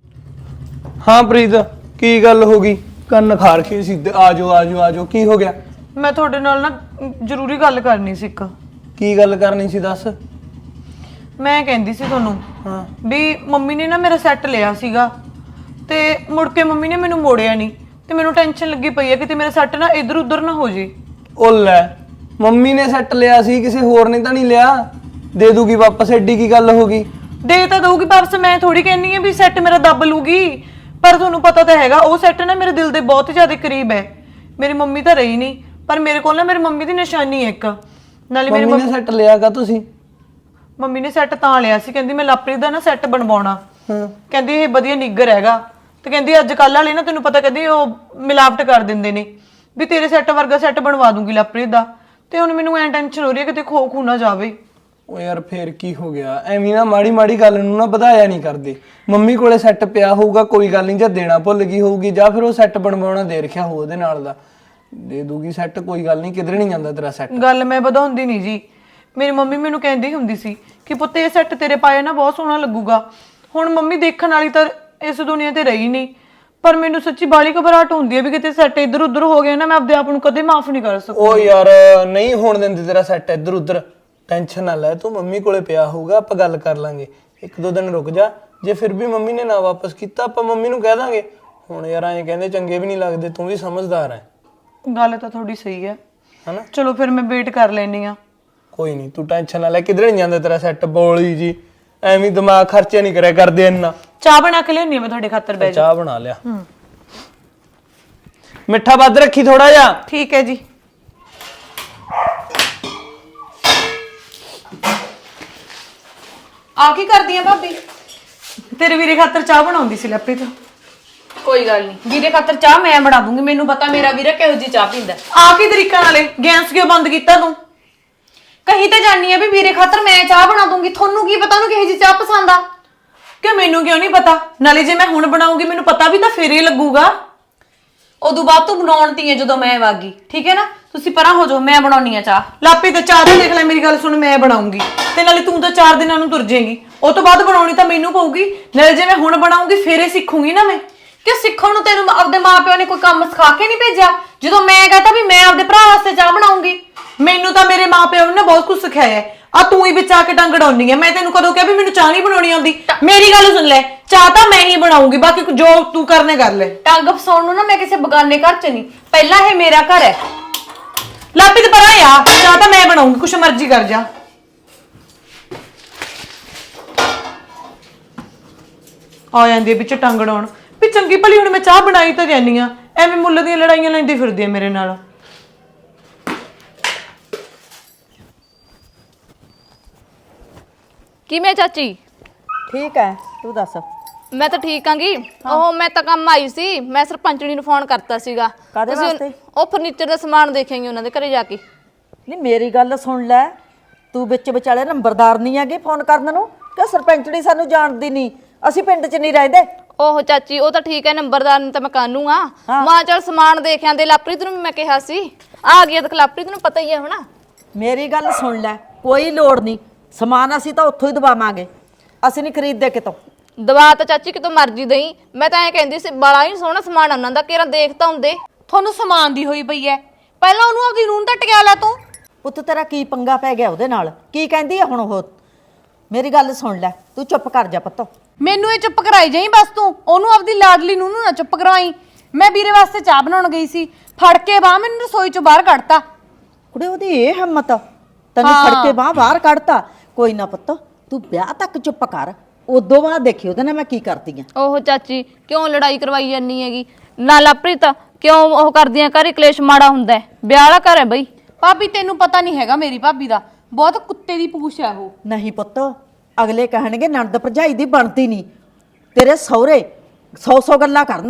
ਹਾਂ ਪ੍ਰੀਤ, ਕੀ ਗੱਲ ਹੋ ਗਈ? ਕੰਨ ਖਾਰ ਕੇ ਸਿੱਧੇ ਆਜੋ ਆਜੋ ਆਜੋ, ਕੀ ਹੋ ਗਿਆ? ਮੈਂ ਤੁਹਾਡੇ ਨਾਲ ਨਾ ਜ਼ਰੂਰੀ ਗੱਲ ਕਰਨੀ ਸੀ ਇੱਕ। ਕੀ ਗੱਲ ਕਰਨੀ ਸੀ ਦੱਸ। ਮੈਂ ਕਹਿੰਦੀ ਸੀ ਤੁਹਾਨੂੰ ਹਾਂ ਵੀ ਮੰਮੀ ਨੇ ਨਾ ਮੇਰਾ ਸੈੱਟ ਲਿਆ ਸੀਗਾ ਤੇ ਮੁੜ ਕੇ ਮੰਮੀ ਨੇ ਮੈਨੂੰ ਮੋੜਿਆ ਨਹੀਂ ਤੇ ਮੈਨੂੰ ਟੈਨਸ਼ਨ ਲੱਗੀ ਪਈ ਹੈ ਕਿਤੇ ਮੇਰਾ ਸੈੱਟ ਨਾ ਇੱਧਰ ਉੱਧਰ ਨਾ ਹੋ ਜੇ। ਉਹ ਲੈ, ਮੰਮੀ ਨੇ ਸੈੱਟ ਲਿਆ ਸੀ, ਕਿਸੇ ਹੋਰ ਨੇ ਤਾਂ ਨਹੀਂ ਲਿਆ? ਦੇ ਦੂਗੀ ਵਾਪਸ, ਐਡੀ ਕੀ ਗੱਲ ਹੋ ਗਈ? ਦੇ ਤਾਂ ਦਊਗੀ ਵਾਪਸ, ਮੈਂ ਥੋੜੀ ਕਹਿੰਨੀ ਆ ਵੀ ਸੈੱਟ ਮੇਰਾ ਦੱਬ ਲੂਗੀ, ਪਰ ਤੁਹਾਨੂੰ ਪਤਾ ਤਾਂ ਹੈਗਾ ਉਹ ਸੈੱਟ ਨਾ ਮੇਰੇ ਦਿਲ ਦੇ ਬਹੁਤ ਜ਼ਿਆਦਾ ਕਰੀਬ ਹੈ। ਮੇਰੀ ਮੰਮੀ ਤਾਂ ਰਹੀ ਨਹੀਂ, ਪਰ ਮੇਰੇ ਕੋਲ ਨਾ ਮੇਰੀ ਮੰਮੀ ਦੀ ਨਿਸ਼ਾਨੀ ਹੈ ਇੱਕ। ਨਾਲੇ ਮੇਰੀ ਮੰਮੀ ਨੇ ਸੈੱਟ ਲਿਆਗਾ ਤੁਸੀਂ? ਮੰਮੀ ਨੇ ਸੈੱਟ ਤਾਂ ਲਿਆ ਸੀ, ਕਹਿੰਦੀ ਮੈਂ ਲਵਪ੍ਰੀਤ ਦਾ ਨਾ ਸੈੱਟ ਬਣਵਾਉਣਾ। ਕਹਿੰਦੀ ਇਹ ਵਧੀਆ ਨਿੱਗਰ ਹੈਗਾ ਤੇ ਕਹਿੰਦੀ ਅੱਜ ਕੱਲ੍ਹ ਵਾਲੇ ਨਾ ਤੈਨੂੰ ਪਤਾ ਕਹਿੰਦੀ ਉਹ ਮਿਲਾਵਟ ਕਰ ਦਿੰਦੇ ਨੇ, ਵੀ ਤੇਰੇ ਸੈੱਟ ਵਰਗਾ ਸੈੱਟ ਬਣਵਾ ਦੂੰਗੀ ਲਵਪ੍ਰੀਤ ਦਾ। ਤੇ ਹੁਣ ਮੈਨੂੰ ਐਂ ਟੈਨਸ਼ਨ ਹੋ ਰਹੀ ਹੈ ਕਿਤੇ ਖੋ ਨਾ ਜਾਵੇ। ਉਹ ਯਾਰ ਫੇਰ ਕੀ ਹੋ ਗਿਆ? ਐਵੇਂ ਨਾ ਮਾੜੀ ਮਾੜੀ ਗੱਲ ਨੂੰ ਨਾ ਵਧਾਇਆ ਨਹੀਂ ਕਰਦੇ। ਮੰਮੀ ਕੋਲੇ ਸੈੱਟ ਪਿਆ ਹੋਊਗਾ, ਕੋਈ ਗੱਲ ਨਹੀਂ, ਜਾਂ ਦੇਣਾ ਭੁੱਲ ਗਈ ਹੋਊਗੀ ਜਾਂ ਫਿਰ ਉਹ ਸੈੱਟ ਬਣਵਾਉਣਾ ਦੇ ਰੱਖਿਆ ਹੋ ਉਹਦੇ ਨਾਲ ਦਾ, ਦੇ ਦੂਗੀ ਸੈੱਟ, ਕੋਈ ਗੱਲ ਨਹੀਂ, ਕਿਧਰੇ ਨਹੀਂ ਜਾਂਦਾ ਤੇਰਾ ਸੈੱਟ। ਗੱਲ ਮੈਂ ਵਧਾਉਂਦੀ ਨਹੀਂ ਜੀ, ਮੇਰੀ ਮੰਮੀ ਮੈਨੂੰ ਕਹਿੰਦੀ ਹੁੰਦੀ ਸੀ ਕਿ ਪੁੱਤ ਇਹ ਸੈੱਟ ਤੇਰੇ ਪਾਏ ਨਾ ਬਹੁਤ ਸੋਹਣਾ ਲੱਗੂਗਾ। ਹੁਣ ਮੰਮੀ ਦੇਖਣ ਵਾਲੀ ਤਾਂ ਇਸ ਦੁਨੀਆ ਤੇ ਰਹੀ ਨਹੀਂ, ਪਰ ਮੈਨੂੰ ਸੱਚੀ ਬਾਲੀ ਘਬਰਾਹਟ ਹੁੰਦੀ ਹੈ ਵੀ ਕਿਤੇ ਸੈੱਟ ਇੱਧਰ ਉੱਧਰ ਹੋ ਗਿਆ ਨਾ, ਮੈਂ ਆਪਦੇ ਆਪ ਨੂੰ ਕਦੇ ਮਾਫ ਨਹੀਂ ਕਰ ਸਕਦੀ। ਉਹ ਯਾਰ ਨਹੀਂ ਹੋਣ ਦਿੰਦੀ ਤੇਰਾ ਸੈੱਟ ਇੱਧਰ ਉੱਧਰ, ਟੈਨਸ਼ਨ ਨਾ ਲੈ ਤੂੰ, ਮੰਮੀ ਕੋਲੇ ਪਿਆ ਹੋਊਗਾ, ਆਪਾਂ ਗੱਲ ਕਰ ਲਾਂਗੇ। ਇੱਕ ਦੋ ਦਿਨ ਰੁਕ ਜਾ, ਜੇ ਫਿਰ ਵੀ ਮੰਮੀ ਨੇ ਨਾ ਵਾਪਸ ਕੀਤਾ ਆਪਾਂ ਮੰਮੀ ਨੂੰ ਕਹਿ ਦਾਂਗੇ। ਹੁਣ ਯਾਰ ਐਂ ਕਹਿੰਦੇ ਚੰਗੇ ਵੀ ਨਹੀਂ ਲੱਗਦੇ, ਤੂੰ ਵੀ ਸਮਝਦਾਰ ਹੈ। ਗੱਲ ਤਾਂ ਤੁਹਾਡੀ ਸਹੀ ਹੈ ਹਨਾ? ਚਲੋ ਫਿਰ ਮੈਂ ਵੇਟ ਕਰ ਲੈਣੀ ਆ। ਕੋਈ ਨਹੀਂ, ਤੂੰ ਟੈਨਸ਼ਨ ਨਾ ਲੈ, ਕਿਧਰੇ ਨਹੀਂ ਜਾਂਦਾ ਤੇਰਾ ਸੈੱਟ। ਬੋਲੀ ਜੀ ਐਵੇਂ ਦਿਮਾਗ ਖਰਚੇ ਨਹੀਂ ਕਰਿਆ ਕਰਦੇ ਇੰਨਾ। ਚਾਹ ਬਣਾ ਕੇ ਲਿਆਉਣੀ ਆ ਮੈਂ ਤੁਹਾਡੇ ਖਾਤਰ। ਬੈ ਚਾਹ ਬਣਾ ਲਿਆ, ਮਿੱਠਾ ਵੱਧ ਰੱਖੀ ਥੋੜਾ ਜਿਹਾ। ਠੀਕ ਹੈ ਜੀ। ਆ ਕੀ ਕਰਦੀ ਆ ਭਾਬੀ? ਤੇਰੇ ਵੀਰੇ ਖਾਤਰ ਚਾਹ ਬਣਾਉਂਦੀ ਸੀ ਲਵਪ੍ਰੀਤ। ਕੋਈ ਗੱਲ ਨਹੀਂ, ਵੀਰੇ ਖਾਤਰ ਚਾਹ ਮੈਂ ਬਣਾ ਦੂੰਗੀ, ਮੈਨੂੰ ਪਤਾ ਮੇਰਾ ਵੀਰੇ ਕਿਹੋ ਜੀ ਚਾਹ ਪੀਂਦਾ। ਆ ਕੀ ਤਰੀਕਾ ਨਾਲੇ ਗੈਸ ਕਿਉਂ ਬੰਦ ਕੀਤਾ ਤੂੰ? ਕਹੀ ਤਾਂ ਜਾਨੀ ਆ ਵੀ ਵੀਰੇ ਖਾਤਰ ਮੈਂ ਚਾਹ ਬਣਾ ਦੂੰਗੀ, ਤੁਹਾਨੂੰ ਕੀ ਪਤਾ ਉਹਨੂੰ ਕਿਹੋ ਜੀ ਚਾਹ ਪਸੰਦ ਆ? ਕਿ ਮੈਨੂੰ ਕਿਉਂ ਨਹੀਂ ਪਤਾ? ਨਾਲੇ ਜੇ ਮੈਂ ਹੁਣ ਬਣਾਉਂਗੀ ਮੈਨੂੰ ਪਤਾ ਵੀ ਤਾਂ ਫੇਰ ਹੀ ਲੱਗੂਗਾ। ਉਦੋਂ ਬਾਅਦ ਤੂੰ ਬਣਾਉਣ ਤੀ ਹੈ ਜਦੋਂ ਮੈਂ ਵਾਗੀ, ਠੀਕ ਹੈ ਨਾ? ਤੁਸੀਂ ਪਰਾਂ ਹੋ ਜਾਓ, ਮੈਂ ਬਣਾਉਣੀ ਆ ਚਾਹ। ਲਾਪੀ ਤੇ ਚਾਹ ਤਾਂ ਦੇਖ ਲੈ, ਮੇਰੀ ਗੱਲ ਸੁਣ, ਮੈਂ ਬਣਾਉਂਗੀ ਤੇ ਨਾਲੇ ਤੂੰ ਤਾਂ 4 ਦਿਨਾਂ ਨੂੰ ਤੁਰ ਜਾਏਗੀ, ਉਹ ਤੋਂ ਬਾਅਦ ਬਣਾਉਣੀ ਤਾਂ ਮੈਨੂੰ ਪਊਗੀ। ਨਾਲੇ ਜੇ ਮੈਂ ਹੁਣ ਬਣਾਉਂਗੀ ਫੇਰ ਹੀ ਸਿੱਖੂਗੀ ਨਾ ਮੈਂ। ਕਿ ਸਿੱਖਣ ਨੂੰ ਤੈਨੂੰ ਆਪਦੇ ਮਾਪਿਓ ਨੇ ਕੋਈ ਕੰਮ ਸਿਖਾ ਕੇ ਨਹੀਂ ਭੇਜਿਆ? ਜਦੋਂ ਮੈਂ ਕਹਤਾ ਵੀ ਮੈਂ ਆਪਦੇ ਭਰਾ ਵਾਸਤੇ ਚਾਹ ਬਣਾਉਂਗੀ, ਮੈਨੂੰ ਤਾਂ ਮੇਰੇ ਮਾਪਿਓ ਨੇ ਬਹੁਤ ਕੁਝ ਸਿਖਾਇਆ ਹੈ। ਆ ਤੂੰ ਹੀ ਵਿੱਚ ਆ ਕੇ ਟੰਗ ਅੜਾਉਣੀ ਹੈ। ਮੈਂ ਤੈਨੂੰ ਕਦੋਂ ਕਿਹਾ ਵੀ ਮੈਨੂੰ ਚਾਹ ਨਹੀਂ ਬਣਾਉਣੀ ਆਉਂਦੀ? ਮੇਰੀ ਗੱਲ ਸੁਣ ਲੈ, ਚਾਹ ਤਾਂ ਮੈਂ ਹੀ ਬਣਾਉਂਗੀ, ਬਾਕੀ ਜੋ ਤੂੰ ਕਰਨੇ ਕਰ ਲੈ। ਟੰਗ ਫਸਾਉਣ ਨੂੰ ਨਾ ਮੈਂ ਕਿਸੇ ਬਗਾਨੇ ਘਰ ਚ ਨਹੀਂ, ਪਹਿਲਾਂ ਇਹ ਮੇਰਾ ਘਰ ਹੈ। ਲਾਪੀ ਤੇ ਪਰਾਂ ਆ, ਚਾਹ ਤਾਂ ਮੈਂ ਬਣਾਉਂਗੀ, ਕੁਛ ਮਰਜ਼ੀ ਕਰ ਜਾ। ਆ ਜਾਂਦੀ ਵਿੱਚ ਟੰਗ ਅੜਾਉਣ ਵੀ ਚੰਗੀ ਭਲੀ। ਹੁਣ ਮੈਂ ਚਾਹ ਬਣਾਈ ਤਾਂ ਜਾਨੀ ਆ, ਐਵੇਂ ਮੁੱਲ ਦੀਆਂ ਲੜਾਈਆਂ ਲੈਂਦੀ ਫਿਰਦੀ ਆ ਮੇਰੇ ਨਾਲ। ਕਿਵੇਂ ਚਾਚੀ? ਠੀਕ ਹੈ, ਤੂੰ ਦੱਸ। ਮੈਂ ਤਾਂ ਠੀਕ ਆਂਗੀ। ਉਹ ਮੈਂ ਤਾਂ ਕੰਮ ਆਈ ਸੀ, ਮੈਂ ਸਰਪੰਚਣੀ ਨੂੰ ਫੋਨ ਕਰਤਾ ਸੀਗਾ। ਕਾਹਦੇ ਵਾਸਤੇ? ਉਹ ਫਰਨੀਚਰ ਦਾ ਸਮਾਨ ਦੇਖਾਂਗੇ ਉਹਨਾਂ ਦੇ ਘਰੇ ਜਾ ਕੇ। ਨਹੀਂ ਮੇਰੀ ਗੱਲ ਸੁਣ ਲੈ, ਤੂੰ ਵਿੱਚ ਵਿਚਾਲੇ ਨੰਬਰਦਾਰ ਨਹੀਂ ਹੈਗੇ ਫੋਨ ਕਰਨ ਨੂੰ, ਕਿ ਸਰਪੰਚਣੀ ਸਾਨੂੰ ਜਾਣਦੀ ਨਹੀਂ, ਅਸੀਂ ਪਿੰਡ 'ਚ ਨਹੀਂ ਰਹਿੰਦੇ। ਉਹ ਚਾਚੀ ਉਹ ਤਾਂ ਠੀਕ ਹੈ, ਨੰਬਰਦਾਰ ਨੇ ਤਾਂ ਮੈਂ ਕਾਨੂੰ ਆ। ਮਾਂ ਚੱਲ ਸਮਾਨ ਦੇਖ ਆਂਦੇ। ਲਵਪ੍ਰੀਤ ਨੂੰ ਵੀ ਮੈਂ ਕਿਹਾ ਸੀ ਆ ਗਿਆ, ਦੇਖ ਲਵਪ੍ਰੀਤ ਨੂੰ ਪਤਾ ਹੀ ਹੈ ਹੁਣ। ਮੇਰੀ ਗੱਲ ਸੁਣ ਲੈ, ਕੋਈ ਲੋੜ ਨਹੀਂ, ਸਮਾਨ ਅਸੀਂ ਤਾਂ ਉੱਥੋਂ ਹੀ ਦਵਾਵਾਂਗੇ, ਅਸੀਂ ਨਹੀਂ ਖਰੀਦਦੇ ਕਿਤੋਂ। ਦਵਾ ਤਾਂ ਚਾਚੀ ਕਿਤੋਂ ਮਰਜ਼ੀ ਦਈ, ਮੈਂ ਤਾਂ ਐਂ ਕਹਿੰਦੀ ਸੀ ਬੜਾ ਹੀ ਸੋਹਣਾ ਸਮਾਨ ਉਹਨਾਂ ਦਾ, ਕਿਹੜਾ ਦੇਖ ਤਾਂ ਹੁੰਦੇ। ਤੁਹਾਨੂੰ ਸਮਾਨ ਦੀ ਹੋਈ ਪਈ ਐ, ਪਹਿਲਾਂ ਉਹਨੂੰ ਆਪਦੀ ਨੂੰਹ ਤਾਂ ਟਕਿਆ ਲੈ ਤੂੰ। ਪੁੱਤ ਤੇਰਾ ਕੀ ਪੰਗਾ ਪੈ ਗਿਆ ਉਹਦੇ ਨਾਲ? ਕੀ ਕਹਿੰਦੀ ਹੈ ਹੁਣ ਉਹ? ਮੇਰੀ ਗੱਲ ਸੁਣ ਲੈ, ਤੂੰ ਚੁੱਪ ਕਰ ਜਾ ਪੁੱਤ। ਮੈਨੂੰ ਇਹ ਚੁੱਪ ਕਰਾਈ ਜਾਈ ਬਸ, ਤੂੰ ਉਹਨੂੰ ਆਪਦੀ ਲਾਡਲੀ ਨੂੰ ਨਾ ਚੁੱਪ ਕਰਵਾਈ। ਮੈਂ ਵੀਰੇ ਵਾਸਤੇ ਚਾਹ ਬਣਾਉਣ ਗਈ ਸੀ, ਫੜ ਕੇ ਬਾਹ ਮੈਨੂੰ ਰਸੋਈ ਚੋਂ ਬਾਹਰ ਕੱਢਤਾ। ਕੁੜੇ ਉਹਦੀ ਇਹ ਹਿੰਮਤ, ਤੈਨੂੰ ਫੜ ਕੇ ਬਾਹਰ ਕੱਢਤਾ। ਕੋਈ ਨਾ ਪੁੱਤ, ਤੂੰ ਵਿਆਹ ਤੱਕ ਚੁੱਪ ਕਰ, ਉਦੋਂ ਬਾਅਦ ਦੇਖੀ ਉਹਦੇ ਨਾਲ ਮੈਂ ਕੀ ਕਰਦੀ ਆ। ਉਹ ਚਾਚੀ ਕਿਉਂ ਲੜਾਈ ਕਰਵਾਈ ਜਾਂਦੀ ਹੈਗੀ? ਨਾ ਲਵਪ੍ਰੀਤ ਕਿਉਂ ਉਹ ਕਰਦੀਆਂ, ਘਰੇ ਕਲੇਸ਼ ਮਾੜਾ ਹੁੰਦਾ ਹੈ, ਵਿਆਹ ਵਾਲਾ ਘਰ ਹੈ ਬਈ। ਭਾਬੀ ਤੈਨੂੰ ਪਤਾ ਨਹੀਂ ਹੈਗਾ ਮੇਰੀ ਭਾਬੀ ਦਾ, ਬਹੁਤ ਕੁੱਤੇ ਦੀ ਪੂਛ ਹੈ ਉਹ। ਨਹੀਂ ਪੁੱਤ, ਅਗਲੇ ਕਹਿਣਗੇ ਨਣਦ ਭਰਜਾਈ ਦੀ ਬਣਦੀ ਨਹੀਂ, ਤੇਰੇ ਸਹੁਰੇ 100 ਗੱਲਾਂ ਕਰਨਗੇ,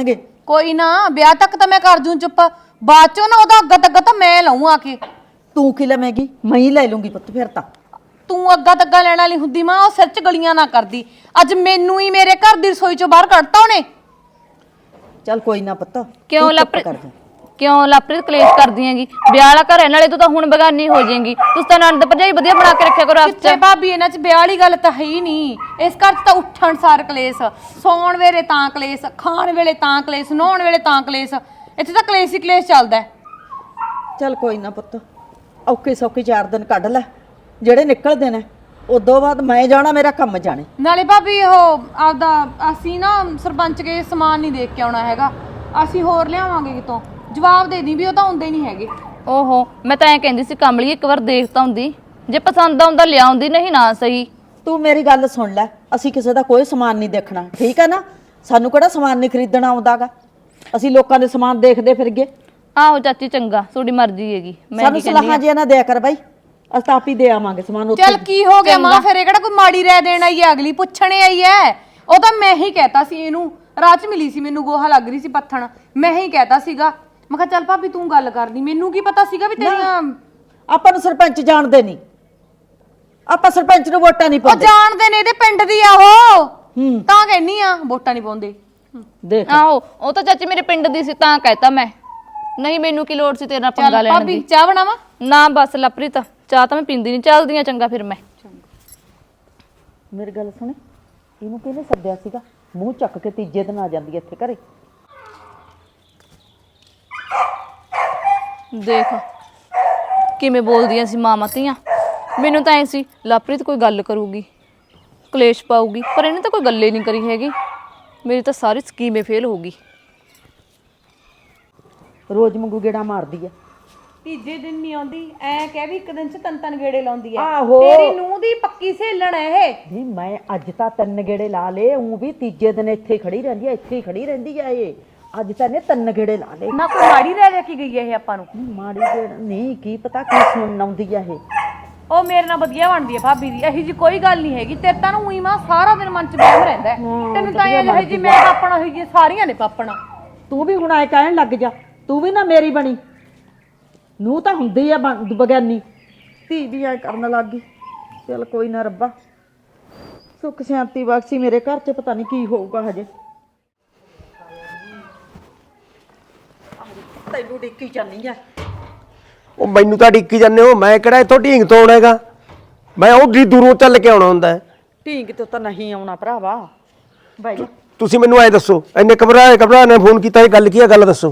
ਕੋਈ ਨਾ ਵਿਆਹ ਤੱਕ ਤਾਂ ਮੈਂ ਕਰ ਜੂੰ ਚੁੱਪ, ਬਾਅਦ ਚੋਂ ਨਾ ਉਹਦਾ ਅੱਗਾ ਤੱਗਾ ਤਾਂ ਮੈਂ ਲਾਉਂ ਆ ਕੇ। ਤੂੰ ਕੀ ਲਵੇਂਗੀ? ਮੈਂ ਹੀ ਲੈ ਲੂੰਗੀ ਪੁੱਤ ਫਿਰ ਤਾਂ। ਤੂੰ ਅੱਗਾ ਤੱਗਾ ਲੈਣ ਵਾਲੀ ਹੁੰਦੀ ਮਾਂ, ਉਹ ਸਿਰ 'ਚ ਗਲੀਆਂ ਨਾ ਕਰਦੀ। ਅੱਜ ਮੈਨੂੰ ਹੀ ਮੇਰੇ ਘਰ ਦੀ ਰਸੋਈ 'ਚੋਂ ਬਾਹਰ ਕੱਢਤਾ ਉਹਨੇ। ਚੱਲ ਕੋਈ ਨਾ ਪੁੱਤ, ਕਿਉਂ ਤੂੰ ਚੁੱਪ ਲਾਪਰੀ ਕਰ ਜਾ। ਕਿਉਂ ਲਾਪਰੀ ਕਲੇਸ਼ ਕਰਦੀ ਹੈਗੀ? ਵਿਆਹ ਵਾਲਾ ਘਰ ਹੈ, ਨਾਲੇ ਤੂੰ ਤਾਂ ਹੁਣ ਬਗਾਨੀ ਹੋ ਜਾਏਗੀ। ਤੁਸੀਂ ਤਾਂ ਨੰਦ ਭਰਜਾਈ ਵਧੀਆ ਬਣਾ ਕੇ ਰੱਖਿਆ ਕਰੋ ਕਿੱਥੇ ਆਪਸ ਭਾਬੀ, ਇਹਨਾਂ 'ਚ ਵਿਆਹ ਵਾਲੀ ਗੱਲ ਤਾਂ ਹੈ ਹੀ ਨਹੀਂ। ਇਸ ਘਰ 'ਚ ਤਾਂ ਉੱਠਣ ਸਾਰ ਕਲੇਸ਼, ਸੌਣ ਵੇਲੇ ਤਾਂ ਕਲੇਸ਼, ਖਾਣ ਵੇਲੇ ਤਾਂ ਕਲੇਸ਼, ਨਹਾਉਣ ਵੇਲੇ ਤਾਂ ਕਲੇਸ਼। ਇੱਥੇ ਤਾਂ ਕਲੇਸ਼ ਹੀ ਕਲੇਸ਼ ਚੱਲਦਾ। ਚੱਲ ਕੋਈ ਨਾ ਪੁੱਤ, ਔਖੇ ਸੌਖੇ 4 ਦਿਨ ਕੱਢ ਲੈ ਜਿਹੜੇ ਨਿਕਲਦੇ ਨੇ। ਉਦੋਂ ਬਾਅਦ ਮੈਂ ਜਾਣਾ, ਮੇਰਾ ਕੰਮ ਜਾਣੇ। ਨਾਲੇ ਭਾਬੀ ਉਹ ਆਪਦਾ ਅਸੀਂ ਨਾ ਸਰਪੰਚ ਕੇ ਸਮਾਨ ਨਹੀਂ ਦੇਖ ਕੇ ਆਉਣਾ ਹੈਗਾ, ਅਸੀਂ ਹੋਰ ਲਿਆਵਾਂਗੇ ਕਿਤੋਂ। ਜਵਾਬ ਦੇ ਦੀ ਵੀ ਉਹ ਤਾਂ ਹੁੰਦੇ ਨਹੀਂ ਹੈਗੇ। ਓਹੋ, ਮੈਂ ਤਾਂ ਐਂ ਕਹਿੰਦੀ ਸੀ ਕਮਲੀ ਇੱਕ ਵਾਰ ਦੇਖ ਤਾਂ ਹੁੰਦੀ, ਜੇ ਪਸੰਦ ਆਉਂਦਾ ਲਿਆਉਂਦੀ, ਨਹੀਂ ਨਾ ਸਹੀ। ਤੂੰ ਮੇਰੀ ਗੱਲ ਸੁਣ ਲੈ, ਅਸੀਂ ਕਿਸੇ ਦਾ ਕੋਈ ਸਮਾਨ ਨਹੀਂ ਦੇਖਣਾ, ਠੀਕ ਹੈ ਨਾ? ਸਾਨੂੰ ਕਿਹੜਾ ਸਮਾਨ ਨਹੀਂ ਖਰੀਦਣਾ ਆਉਂਦਾਗਾ, ਅਸੀਂ ਲੋਕਾਂ ਦੇ ਸਮਾਨ ਦੇਖਦੇ ਫਿਰਗੇ। ਆਹੋ ਚਾਚੀ, ਚੰਗਾ, ਤੁਹਾਡੀ ਮਰਜ਼ੀ ਹੈਗੀ। ਮੈਂ ਸਾਨੂੰ ਕੀ ਕਹਿੰਦੀ ਸਲਾਹਾਂ ਜਿਹਾ ਨਾ ਦਿਆ ਕਰ ਬਾਈ, ਅਸੀਂ ਤਾਂ ਆਪ ਹੀ ਦੇ ਆਵਾਂਗੇ ਸਮਾਨ ਉੱਥੇ। ਚੱਲ ਕੀ ਹੋ ਗਿਆ ਮਾਂ, ਫਿਰ ਇਹ ਕਿਹੜਾ ਕੋਈ ਮਾੜੀ ਰਹਿ ਦੇਣ ਆਈ ਹੈ, ਅਗਲੀ ਪੁੱਛਣੇ ਆਈ ਹੈ। ਉਹ ਤਾਂ ਮੈਂ ਹੀ ਕਹਿਤਾ ਸੀ, ਇਹਨੂੰ ਰਾਹ 'ਚ ਮਿਲੀ ਸੀ, ਮੈਨੂੰ ਗੋਹਾ ਲੱਗ ਰਹੀ ਸੀ ਪੱਥਣ, ਮੈਂ ਹੀ ਕਹਿਤਾ ਸੀਗਾ। ਮੈਂ ਕਿਹਾ ਚੱਲ ਭਾਬੀ ਤੂੰ ਗੱਲ ਕਰਦੀ, ਮੈਨੂੰ ਕੀ ਪਤਾ ਸੀਗਾ ਵੀ ਤੇਰੀਆਂ। ਆਪਾਂ ਨੂੰ ਸਰਪੰਚ ਜਾਣਦੇ ਨਹੀਂ, ਆਪਾਂ ਸਰਪੰਚ ਨੂੰ ਵੋਟਾਂ ਨਹੀਂ ਉਹ ਪਾਉਂਦੇ। ਜਾਣਦੇ ਨੇ, ਇਹਦੇ ਪਿੰਡ ਦੀ ਆ ਉਹ, ਤਾਂ ਕਹਿਨੀ ਆ ਵੋਟਾਂ ਨਹੀਂ ਪਾਉਂਦੇ। ਦੇਖ ਆਹੋ, ਉਹ ਤਾਂ ਚਾਚੀ ਮੇਰੇ ਪਿੰਡ ਦੀ ਸੀ ਤਾਂ ਕਹਿਤਾ ਮੈਂ, ਨਹੀਂ ਮੈਨੂੰ ਕੀ ਲੋੜ ਸੀ ਤੇਰੇ ਨਾਲ ਪੰਗਾ ਚੱਲ ਲੈਣ ਭਾਬੀ ਦੀ। ਚਾਹ ਬਣਾਵਾ? ਨਾ ਬਸ ਲਪਰੀ, ਤਾਂ ਚਾਹ ਤਾਂ ਮੈਂ ਪੀਂਦੀ ਨਹੀਂ, ਚੱਲਦੀਆਂ ਚੰਗਾ ਫਿਰ ਮੈਂ। ਮੇਰੀ ਗੱਲ ਸੁਣੇ, ਇਹਨੂੰ ਕਿਹਨੇ ਸੱਦਿਆ ਸੀਗਾ? ਮੂੰਹ ਚੱਕ ਕੇ ਤੀਜੇ ਦਿਨ ਆ ਜਾਂਦੀ ਇੱਥੇ ਘਰੇ। ਦੇਖ ਕਿਵੇਂ ਬੋਲਦੀਆਂ ਸੀ ਮਾਵਾਂ ਧੀਆਂ। ਮੈਨੂੰ ਤਾਂ ਐ ਸੀ ਲਵਪ੍ਰੀਤ ਕੋਈ ਗੱਲ ਕਰੂਗੀ, ਕਲੇਸ਼ ਪਾਊਗੀ, ਪਰ ਇਹਨੇ ਤਾਂ ਕੋਈ ਗੱਲ ਹੀ ਨਹੀਂ ਕਰੀ ਹੈਗੀ। ਮੇਰੀ ਤਾਂ ਸਾਰੀ ਸਕੀਮ ਹੀ ਫੇਲ ਹੋ ਗਈ। ਰੋਜ਼ ਮੰਗੂ ਗੇੜਾ ਮਾਰਦੀ ਆ। ਤੀਜੇ ਦਿਨ ਨਹੀਂ ਆਉਂਦੀ, ਐ ਕਹਿ ਵੀ ਇੱਕ ਦਿਨ 'ਚ ਤਨ ਗੇੜੇ ਲਾਉਂਦੀ ਐ। ਆਹੋ। ਤੇਰੀ ਨੂੰਹ ਦੀ ਪੱਕੀ ਸਹੇਲਣ ਐ ਇਹ। ਨਹੀਂ ਮੈਂ ਅੱਜ ਤਾਂ 3 ਗੇੜੇ ਲਾ ਲਏ, ਉਹ ਵੀ ਤੀਜੇ ਦਿਨ ਇੱਥੇ ਹੀ ਖੜੀ ਰਹਿੰਦੀ ਆ, ਇੱਥੇ ਹੀ ਖੜੀ ਰਹਿੰਦੀ ਆ ਇਹ। ਅੱਜ ਤਾਂ ਇਹਨੇ 3 ਗੇੜੇ ਲਾ ਲਏ। ਨਾ ਕੋਈ ਮਾੜੀ ਰਹਿ ਜਾ ਕੇ ਗਈ ਐ ਇਹ ਆਪਾਂ ਨੂੰ। ਮਾੜੀ ਗੇੜ ਨਹੀਂ, ਕੀ ਪਤਾ ਕੀ ਸੁਣਨ ਆਉਂਦੀ ਆ ਇਹ। ਉਹ ਮੇਰੇ ਨਾਲ ਵਧੀਆ ਬਣਦੀ ਐ ਭਾਬੀ ਦੀ, ਇਹੀ ਜੀ ਕੋਈ ਗੱਲ ਨਹੀਂ ਹੈਗੀ। ਤੇਰੇ ਤਾਂ ਉਹੀ ਮਾਂ ਸਾਰਾ ਦਿਨ ਮਨ 'ਚ ਬਹਿਮ ਰਹਿੰਦਾ ਹੈ। ਤੈਨੂੰ ਤਾਂ ਇਹ ਜਿਹੀ ਜੀ ਮੈਂ ਪਾਪਣਾ ਹੋਈ ਜੀ, ਸਾਰੀਆਂ ਨੇ ਪਾਪਣਾ। ਤੂੰ ਵੀ ਹੁਣ ਆਏ ਕਹਿਣ ਲੱਗ ਜਾ, ਤੂੰ ਵੀ ਨਾ ਮੇਰੀ ਬਣੀ। ਨੂੰ ਤਾਂ ਹੁੰਦੀ ਆ ਬਗਾਨੀ, ਧੀ ਵੀ ਐ ਕਰਨ ਲੱਗ ਗਈ। ਚੱਲ ਕੋਈ ਨਾ ਰੱਬਾ, ਸੁੱਖ ਸ਼ਾਂਤੀ ਬਖਸ਼ੀ ਮੇਰੇ ਘਰ 'ਚ। ਪਤਾ ਨਹੀਂ ਕੀ ਹੋਊਗਾ ਹਜੇ। ਤੈਨੂੰ ਡਿੱਕੀ ਜਾਨੀ ਆ। ਉਹ ਮੈਨੂੰ ਤਾਂ ਡਿੱਕੀ ਜਾਂਦੇ ਹੋ, ਮੈਂ ਕਿਹੜਾ ਇੱਥੋਂ ਢੀਂਗ ਤੋਂ ਆਉਣਾ ਹੈਗਾ, ਮੈਂ ਉਹ ਡੀ ਦੂਰੋਂ ਚੱਲ ਕੇ ਆਉਣਾ ਹੁੰਦਾ ਹੈ। ਢੀਂਗ ਤੋਂ ਤਾਂ ਨਹੀਂ ਆਉਣਾ ਭਰਾਵਾ। ਬਾਈ ਤੁਸੀਂ ਮੈਨੂੰ ਐ ਦੱਸੋ, ਇੰਨੇ ਘਬਰਾ ਨੇ ਫੋਨ ਕੀਤਾ, ਇਹ ਗੱਲ ਕੀ ਹੈ? ਗੱਲ ਦੱਸੋ।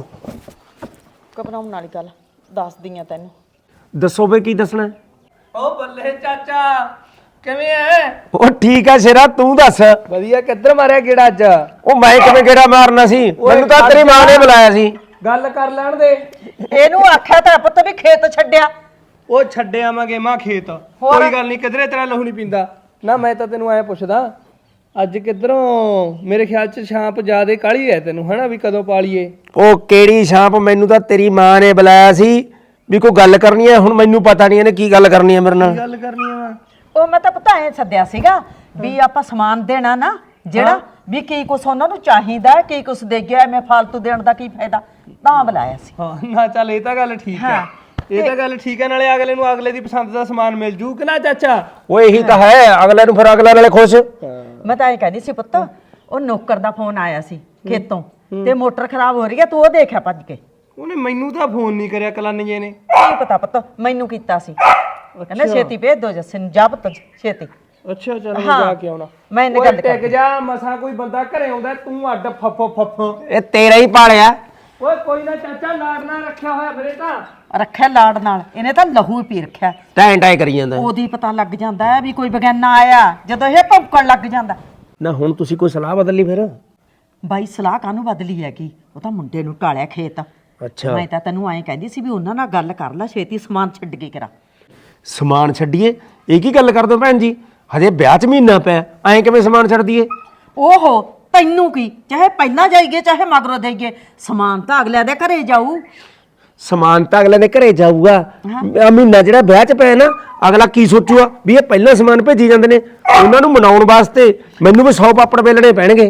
ਘਬਰਾਉਣ ਵਾਲੀ ਗੱਲ ਦੱਸਦੀ ਆ ਤੈਨੂੰ। ਦੱਸੋ ਵੇ ਕੀ ਦੱਸਣਾ? ਓ ਬੱਲੇ ਚਾਚਾ, ਕਿਵੇਂ ਐ? ਉਹ ਠੀਕ ਹੈ ਸ਼ੇਰਾ, ਤੂੰ ਦੱਸ। ਵਧੀਆ। ਕਿੱਧਰ ਮਾਰਿਆ ਗੇੜਾ ਅੱਜ? ਉਹ ਮੈਂ ਕਿਵੇਂ ਗੇੜਾ ਮਾਰਨਾ ਸੀ, ਮੈਨੂੰ ਤਾਂ ਤੇਰੀ ਮਾਂ ਨੇ ਬੁਲਾਇਆ ਸੀ। ਗੱਲ ਕਰ ਲੈਣ ਦੇ। ਇਹਨੂੰ ਆਖਿਆ ਤਾਂ ਪੁੱਤ ਵੀ ਖੇਤ ਛੱਡਿਆ। ਉਹ ਛੱਡੇ ਆਵਾਂਗੇ ਮਾਂ ਖੇਤ, ਕੋਈ ਗੱਲ ਨਹੀਂ, ਕਿਧਰੇ ਤੇਰਾ ਲਹੂ ਨਹੀਂ ਪੀਂਦਾ ਨਾ। ਮੈਂ ਤਾਂ ਤੈਨੂੰ ਐ ਪੁੱਛਦਾ, ਅੱਜ ਕਿੱਧਰੋਂ? ਮੇਰੇ ਖਿਆਲ 'ਚ ਛਾਂਪ ਜ਼ਿਆਦੇ ਕਾਲੀ ਐ ਤੈਨੂੰ, ਹਨਾ ਵੀ ਕਦੋਂ ਪਾਲੀਏ? ਉਹ ਕਿਹੜੀ ਛਾਂਪ? ਮੈਨੂੰ ਤਾਂ ਤੇਰੀ ਮਾਂ ਨੇ ਬੁਲਾਇਆ ਸੀ ਵੀ ਕੋਈ ਗੱਲ ਕਰਨੀ ਹੈ। ਹੁਣ ਮੈਨੂੰ ਪਤਾ ਨਹੀਂ ਇਹਨੇ ਕੀ ਗੱਲ ਕਰਨੀ ਹੈ ਮੇਰੇ ਨਾਲ। ਗੱਲ ਕਰਨੀ ਆ। ਉਹ ਮੈਂ ਤਾਂ ਪਤਾ ਐ ਸੱਦਿਆ ਸੀਗਾ ਵੀ ਆਪਾਂ ਸਮਾਨ ਦੇਣਾ ਨਾ ਜਿਹੜਾ, ਵੀ ਕੀ ਕੁਛ ਉਹਨਾਂ ਨੂੰ ਚਾਹੀਦਾ, ਕੀ ਕੁਛ ਦੇ ਗਿਆ, ਐਵੇਂ ਫालतू ਦੇਣ ਦਾ ਕੀ ਫਾਇਦਾ, ਤਾਂ ਬੁਲਾਇਆ ਸੀ। ਹਾਂ ਨਾ, ਚੱਲ ਇਹ ਤਾਂ ਗੱਲ ਠੀਕ ਹੈ। ਇਹ ਤਾਂ ਗੱਲ ਠੀਕ ਹੈ, ਨਾਲੇ ਅਗਲੇ ਨੂੰ ਅਗਲੇ ਦੀ ਪਸੰਦ ਦਾ ਸਮਾਨ ਮਿਲ ਜੂ ਕਿ ਨਾ ਚਾਚਾ? ਉਹ ਇਹੀ ਤਾਂ ਹੈ, ਅਗਲੇ ਨੂੰ ਫਿਰ ਅਗਲੇ ਨਾਲੇ ਖੁਸ਼। ਮੈਂ ਤਾਂ ਇਹ ਕਹਿੰਦੀ ਸੀ ਪੁੱਤ, ਉਹ ਨੌਕਰ ਦਾ ਫੋਨ ਆਇਆ ਸੀ ਖੇਤੋਂ, ਤੇ ਮੋਟਰ ਖਰਾਬ ਹੋ ਰਹੀ ਹੈ, ਤੂੰ ਉਹ ਦੇਖਿਆ ਭੱਜ ਕੇ। ਉਹਨੇ ਮੈਨੂੰ ਤਾਂ ਫੋਨ ਨਹੀਂ ਕਰਿਆ, ਕਲਾਨੀਏ ਨੇ। ਕੀ ਪਤਾ ਪੁੱਤ, ਮੈਨੂੰ ਕੀਤਾ ਸੀ, ਕਹਿੰਦਾ ਛੇਤੀ ਭੇਜ ਦੋ ਜੱਸੇ ਨੂੰ, ਜਾ ਪੁੱਤ ਛੇਤੀ। ਅੱਛਾ ਚੱਲ ਮੈਂ ਜਾ ਕੇ ਆਉਣਾ। ਮੈਂ ਇਹਨੇ ਗੱਲ ਟਿਕ ਜਾ, ਮਸਾਂ ਕੋਈ ਬੰਦਾ ਘਰੇ ਆਉਂਦਾ, ਤੂੰ ਅੱਡ ਫੱਫ। ਇਹ ਤੇਰਾ ਹੀ ਪਾਲਿਆ। ਓਏ ਕੋਈ ਨਾ ਚਾਚਾ, ਲਾੜ ਨਾ ਰੱਖਿਆ ਹੋਇਆ ਫਿਰੇ ਤਾਂ। ਰੱਖਿਆ ਲਾੜ ਨਾਲ, ਇਹਨੇ ਤਾਂ ਲਹੂ ਹੀ ਪੀ ਰੱਖਿਆ। ਟੈਂ ਕਰੀ ਜਾਂਦਾ। ਉਹਦੀ ਪਤਾ ਲੱਗ ਜਾਂਦਾ ਹੈ ਵੀ ਕੋਈ ਬਗਾਨਾ ਆਇਆ, ਜਦੋਂ ਇਹ ਭੌਂਕਣ ਲੱਗ ਜਾਂਦਾ। ਨਾ ਹੁਣ ਤੁਸੀਂ ਕੋਈ ਸਲਾਹ ਬਦਲ ਲਈ ਫਿਰ? ਬਾਈ ਸਲਾਹ ਕਾਹਨੂੰ ਬਦਲੀ ਹੈਗੀ, ਉਹ ਤਾਂ ਮੁੰਡੇ ਨੂੰ ਟਾਲਿਆ ਖੇਤ। ਅੱਛਾ, ਮੈਂ ਤਾਂ ਤੈਨੂੰ ਐਂ ਕਹਿੰਦੀ ਸੀ ਵੀ ਉਹਨਾਂ ਨਾਲ ਗੱਲ ਕਰ ਲੈ, ਛੇਤੀ ਸਮਾਨ ਛੱਡ ਕੇ ਕਰਾ। ਸਮਾਨ ਛੱਡੀਏ? ਇਹ ਕੀ ਗੱਲ ਕਰਦੇ ਹੋ ਭੈਣ ਜੀ? ਹਜੇ ਵਿਆਹ 'ਚ ਮਹੀਨਾ ਪਿਆ, ਐਂ ਕਿਵੇਂ ਸਮਾਨ ਛੱਡ ਦਈਏ? ਓਹੋ ਤੈਨੂੰ ਕੀ, ਚਾਹੇ ਪਹਿਲਾਂ ਜਾਈਏ ਚਾਹੇ ਮਗਰੋਂ ਦੇਈਏ, ਸਮਾਨ ਤਾਂ ਅਗਲਿਆਂ ਦੇ ਘਰੇ ਜਾਊ। ਸਮਾਨ ਤਾਂ ਅਗਲੇ ਦੇ ਘਰੇ ਜਾਊਗਾ। ਆਹ ਮਹੀਨਾ ਜਿਹੜਾ ਵਿਆਹ 'ਚ ਪਿਆ ਨਾ, ਅਗਲਾ ਕੀ ਸੋਚੂਗਾ ਵੀ ਇਹ ਪਹਿਲਾਂ ਸਮਾਨ ਭੇਜੀ ਜਾਂਦੇ ਨੇ। ਉਹਨਾਂ ਨੂੰ ਮਨਾਉਣ ਵਾਸਤੇ ਮੈਨੂੰ ਵੀ 100 ਪਾਪੜ ਵੇਲਣੇ ਪੈਣਗੇ।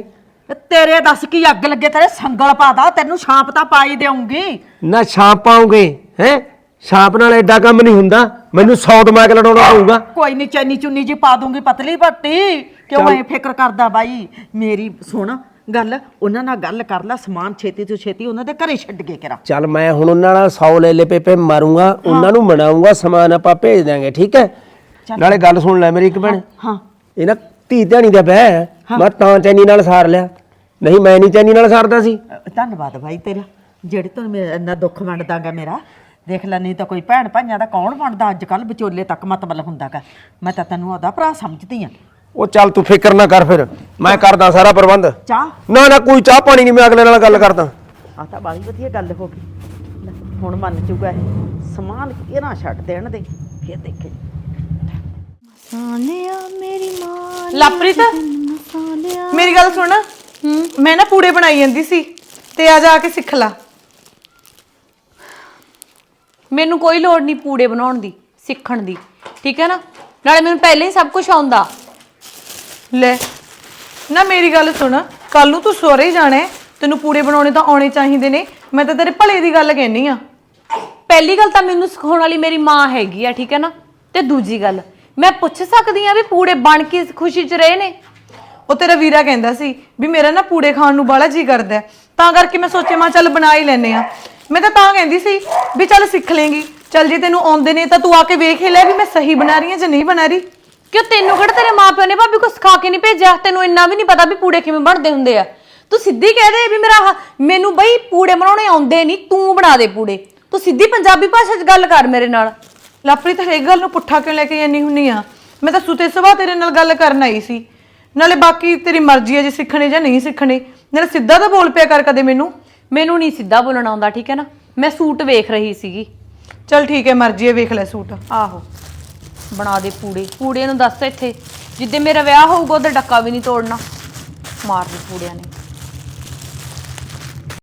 ਤੇਰੇ ਦੱਸ ਕੀ ਅੱਗ ਲੱਗੇ ਤੇਰੇ ਸੰਗਲ ਪਾਦਾ ਤੈਨੂੰ ਛਾਂਪ ਤਾਂ ਪਾਈ ਦੇਉਂਗੀ। ਨਾ ਛਾਪ ਪਾਉਂਗੇ ਹੈ? ਛਾਪ ਨਾਲ ਐਡਾ ਕੰਮ ਨਹੀਂ ਹੁੰਦਾ, ਮੈਨੂੰ 100 ਦਿਮਾਗ ਲੜਾਉਣਾ ਪਊਗਾ। ਕੋਈ ਨਹੀਂ ਚੈਨੀ ਚੁੰਨੀ ਜੀ ਪਾ ਦੂੰਗੀ ਪਤਲੀ ਪੱਟੀ। ਕਿਉਂ ਐ ਫਿਕਰ ਕਰਦਾ ਬਾਈ? ਮੇਰੀ ਸੁਣ ਗੱਲ, ਉਹਨਾਂ ਨਾਲ ਗੱਲ ਕਰ ਲੈ, ਸਮਾਨ ਛੇਤੀ ਤੋਂ ਛੇਤੀ ਉਹਨਾਂ ਦੇ ਘਰੇ ਛੱਡ ਕੇ ਕਰਾ। ਚੱਲ ਮੈਂ ਹੁਣ ਉਹਨਾਂ ਨਾਲ 100 ਲੈ ਪੇਪੇ ਮਾਰੂੰਗਾ, ਉਹਨਾਂ ਨੂੰ ਮਨਾਉਂਗਾ, ਸਮਾਨ ਆਪਾਂ ਭੇਜ ਦਾਂਗੇ, ਠੀਕ ਹੈ? ਨਾਲੇ ਗੱਲ ਸੁਣ ਲੈ ਮੇਰੀ ਇੱਕ ਭੈਣ, ਹਾਂ ਇਹ ਨਾ ਧੀ ਧਿਆਣੀ ਦਾ ਵਿਆਹ ਹੈ, ਮੈਂ ਤਾਂ ਚੈਨੀ ਨਾਲ ਸਾਰ ਲਿਆ, ਨਹੀਂ ਮੈਂ ਨਹੀਂ ਚੈਨੀ ਨਾਲ ਸਾਰਦਾ ਸੀ। ਧੰਨਵਾਦ ਬਾਈ ਤੇਰਾ, ਜਿਹੜੇ ਤੂੰ ਮੇਰਾ ਇੰਨਾ ਦੁੱਖ ਵੰਡਦਾਗਾ ਮੇਰਾ। ਦੇਖ ਲੈ, ਨਹੀਂ ਤਾਂ ਕੋਈ ਭੈਣ ਭਾਈਆਂ ਦਾ ਕੌਣ ਵੰਡਦਾ ਅੱਜ ਕੱਲ, ਵਿਚੋਲੇ ਤੱਕ ਮਤਲਬ ਹੁੰਦਾਗਾ। ਮੈਂ ਤਾਂ ਤੈਨੂੰ ਉਹਦਾ ਭਰਾ ਸਮਝਦੀ ਆ। ਉਹ ਚੱਲ ਤੂੰ ਫਿਕਰ ਨਾ ਕਰ, ਫਿਰ ਮੈਂ ਕਰਦਾ ਸਾਰਾ ਪ੍ਰਬੰਧ। ਚਾਹ ਨਾ ਨਾ ਕੋਈ ਚਾਹ ਪਾਣੀ ਨਹੀਂ, ਮੈਂ ਅਗਲੇ ਨਾਲ ਗੱਲ ਕਰਦਾ। ਆ ਤਾਂ ਬੜੀ ਵਧੀਆ ਗੱਲ ਹੋ ਗਈ। ਲੈ, ਹੁਣ ਮੰਨ ਚੁੱਕਾ ਇਹ, ਸਮਾਨ ਇਹ ਨਾ ਛੱਡ ਦੇਣ ਦੇ, ਫਿਰ ਦੇਖੇ। ਲਾਪ੍ਰੀਤ, ਮੇਰੀ ਗੱਲ ਸੁਣ। ਮੈਂ ਨਾ ਪੂੜੇ ਬਣਾਈ ਜਾਂਦੀ ਸੀ, ਤੇ ਆ ਜਾ ਕੇ ਸਿੱਖ ਲਾ। ਮੈਨੂੰ ਕੋਈ ਲੋੜ ਨਹੀਂ ਪੂੜੇ ਬਣਾਉਣ ਦੀ, ਸਿੱਖਣ ਦੀ, ਠੀਕ ਹੈ ਨਾ? ਨਾਲੇ ਮੈਨੂੰ ਪਹਿਲਾਂ ਹੀ ਸਭ ਕੁਝ ਆਉਂਦਾ। ਲੈ ਨਾ ਮੇਰੀ ਗੱਲ ਸੁਣ, ਕੱਲ ਨੂੰ ਤੂੰ ਸਹੁਰੇ ਜਾਣਾ ਹੈ, ਤੈਨੂੰ ਪੂੜੇ ਬਣਾਉਣੇ ਤਾਂ ਆਉਣੇ ਚਾਹੀਦੇ ਨੇ। ਮੈਂ ਤਾਂ ਤੇਰੇ ਭਲੇ ਦੀ ਗੱਲ ਕਹਿਨੀ ਆ। ਪਹਿਲੀ ਗੱਲ ਤਾਂ ਮੈਨੂੰ ਸਿਖਾਉਣ ਵਾਲੀ ਮੇਰੀ ਮਾਂ ਹੈਗੀ ਆ, ਠੀਕ ਹੈ ਨਾ? ਤੇ ਦੂਜੀ ਗੱਲ, ਮੈਂ ਪੁੱਛ ਸਕਦੀ ਆ ਵੀ ਪੂੜੇ ਬਣ ਕੇ ਖੁਸ਼ੀ 'ਚ ਰਹੇ ਨੇ? ਉਹ ਤੇਰਾ ਵੀਰਾ ਕਹਿੰਦਾ ਸੀ ਵੀ ਮੇਰਾ ਨਾ ਪੂੜੇ ਖਾਣ ਨੂੰ ਬਾਲਾ ਜੀ ਕਰਦਾ ਹੈ, ਤਾਂ ਕਰਕੇ ਮੈਂ ਸੋਚਿਆ ਮੈਂ ਚੱਲ ਬਣਾ ਹੀ ਲੈਨੇ ਆ। ਮੈਂ ਤਾਂ ਕਹਿੰਦੀ ਸੀ ਵੀ ਚੱਲ ਸਿੱਖ ਲੇਂਗੀ, ਚੱਲ ਜੇ ਤੈਨੂੰ ਆਉਂਦੇ ਨੇ ਤਾਂ ਤੂੰ ਆ ਕੇ ਵੇਖ ਹੀ ਲੈ ਵੀ ਮੈਂ ਸਹੀ ਬਣਾ ਰਹੀ ਹਾਂ ਜਾਂ ਨਹੀਂ ਬਣਾ ਰਹੀ। ਕਿਉਂ ਤੈਨੂੰ ਕਿਹੜਾ ਤੇਰੇ ਮਾਪਿਓ ਨੇ ਭਾਬੀ ਕੁਛ ਸਿਖਾ ਕੇ ਨਹੀਂ ਭੇਜਿਆ? ਤੈਨੂੰ ਇੰਨਾ ਵੀ ਨਹੀਂ ਪਤਾ ਵੀ ਪੂੜੇ ਕਿਵੇਂ ਬਣਦੇ ਹੁੰਦੇ ਆ? ਤੂੰ ਸਿੱਧੀ ਕਹਿ ਦੇ ਵੀ ਮੈਨੂੰ ਬਈ ਪੂੜੇ ਬਣਾਉਣੇ ਆਉਂਦੇ ਨਹੀਂ, ਤੂੰ ਬਣਾ ਦੇ ਪੂੜੇ। ਤੂੰ ਸਿੱਧੀ ਪੰਜਾਬੀ ਭਾਸ਼ਾ 'ਚ ਗੱਲ ਕਰ ਮੇਰੇ ਨਾਲ। ਲਾਪ੍ਰੀਤ, ਹਰੇਕ ਗੱਲ ਨੂੰ ਪੁੱਠਾ ਕਿਉਂ ਲੈ ਕੇ ਜਾਂਦੀ ਹੁੰਨੀ ਆ? ਮੈਂ ਤਾਂ ਸੁਤੇ ਸੁਭਾ ਤੇਰੇ ਨਾਲ ਗੱਲ ਕਰਨ ਆਈ ਸੀ। ਨਾਲੇ ਬਾਕੀ ਤੇਰੀ ਮਰਜ਼ੀ ਹੈ ਜੇ ਸਿੱਖਣੇ ਜਾਂ ਨਹੀਂ ਸਿੱਖਣੇ। ਨਾਲੇ ਸਿੱਧਾ ਤਾਂ ਬੋਲ ਪਿਆ ਕਰ ਕਦੇ ਮੈਨੂੰ ਨਹੀਂ ਸਿੱਧਾ ਬੋਲਣਾ ਆਉਂਦਾ, ਠੀਕ ਹੈ ਨਾ? ਮੈਂ ਸੂਟ ਵੇਖ ਰਹੀ ਸੀਗੀ। ਚੱਲ ਠੀਕ ਹੈ, ਮਰਜ਼ੀ ਹੈ, ਵੇਖ ਲੈ ਸੂਟ। ਆਹੋ, ਬਣਾ ਦੇ ਪੂੜੇ ਨੂੰ ਦੱਸ ਇੱਥੇ ਜਿੱਦੇ ਮੇਰਾ ਵਿਆਹ ਹੋਊਗਾ ਉਹਦਾ ਡੱਕਾ ਵੀ ਨਹੀਂ ਤੋੜਨਾ। ਮਾਰ ਦੇ ਪੂੜਿਆਂ ਨੇ।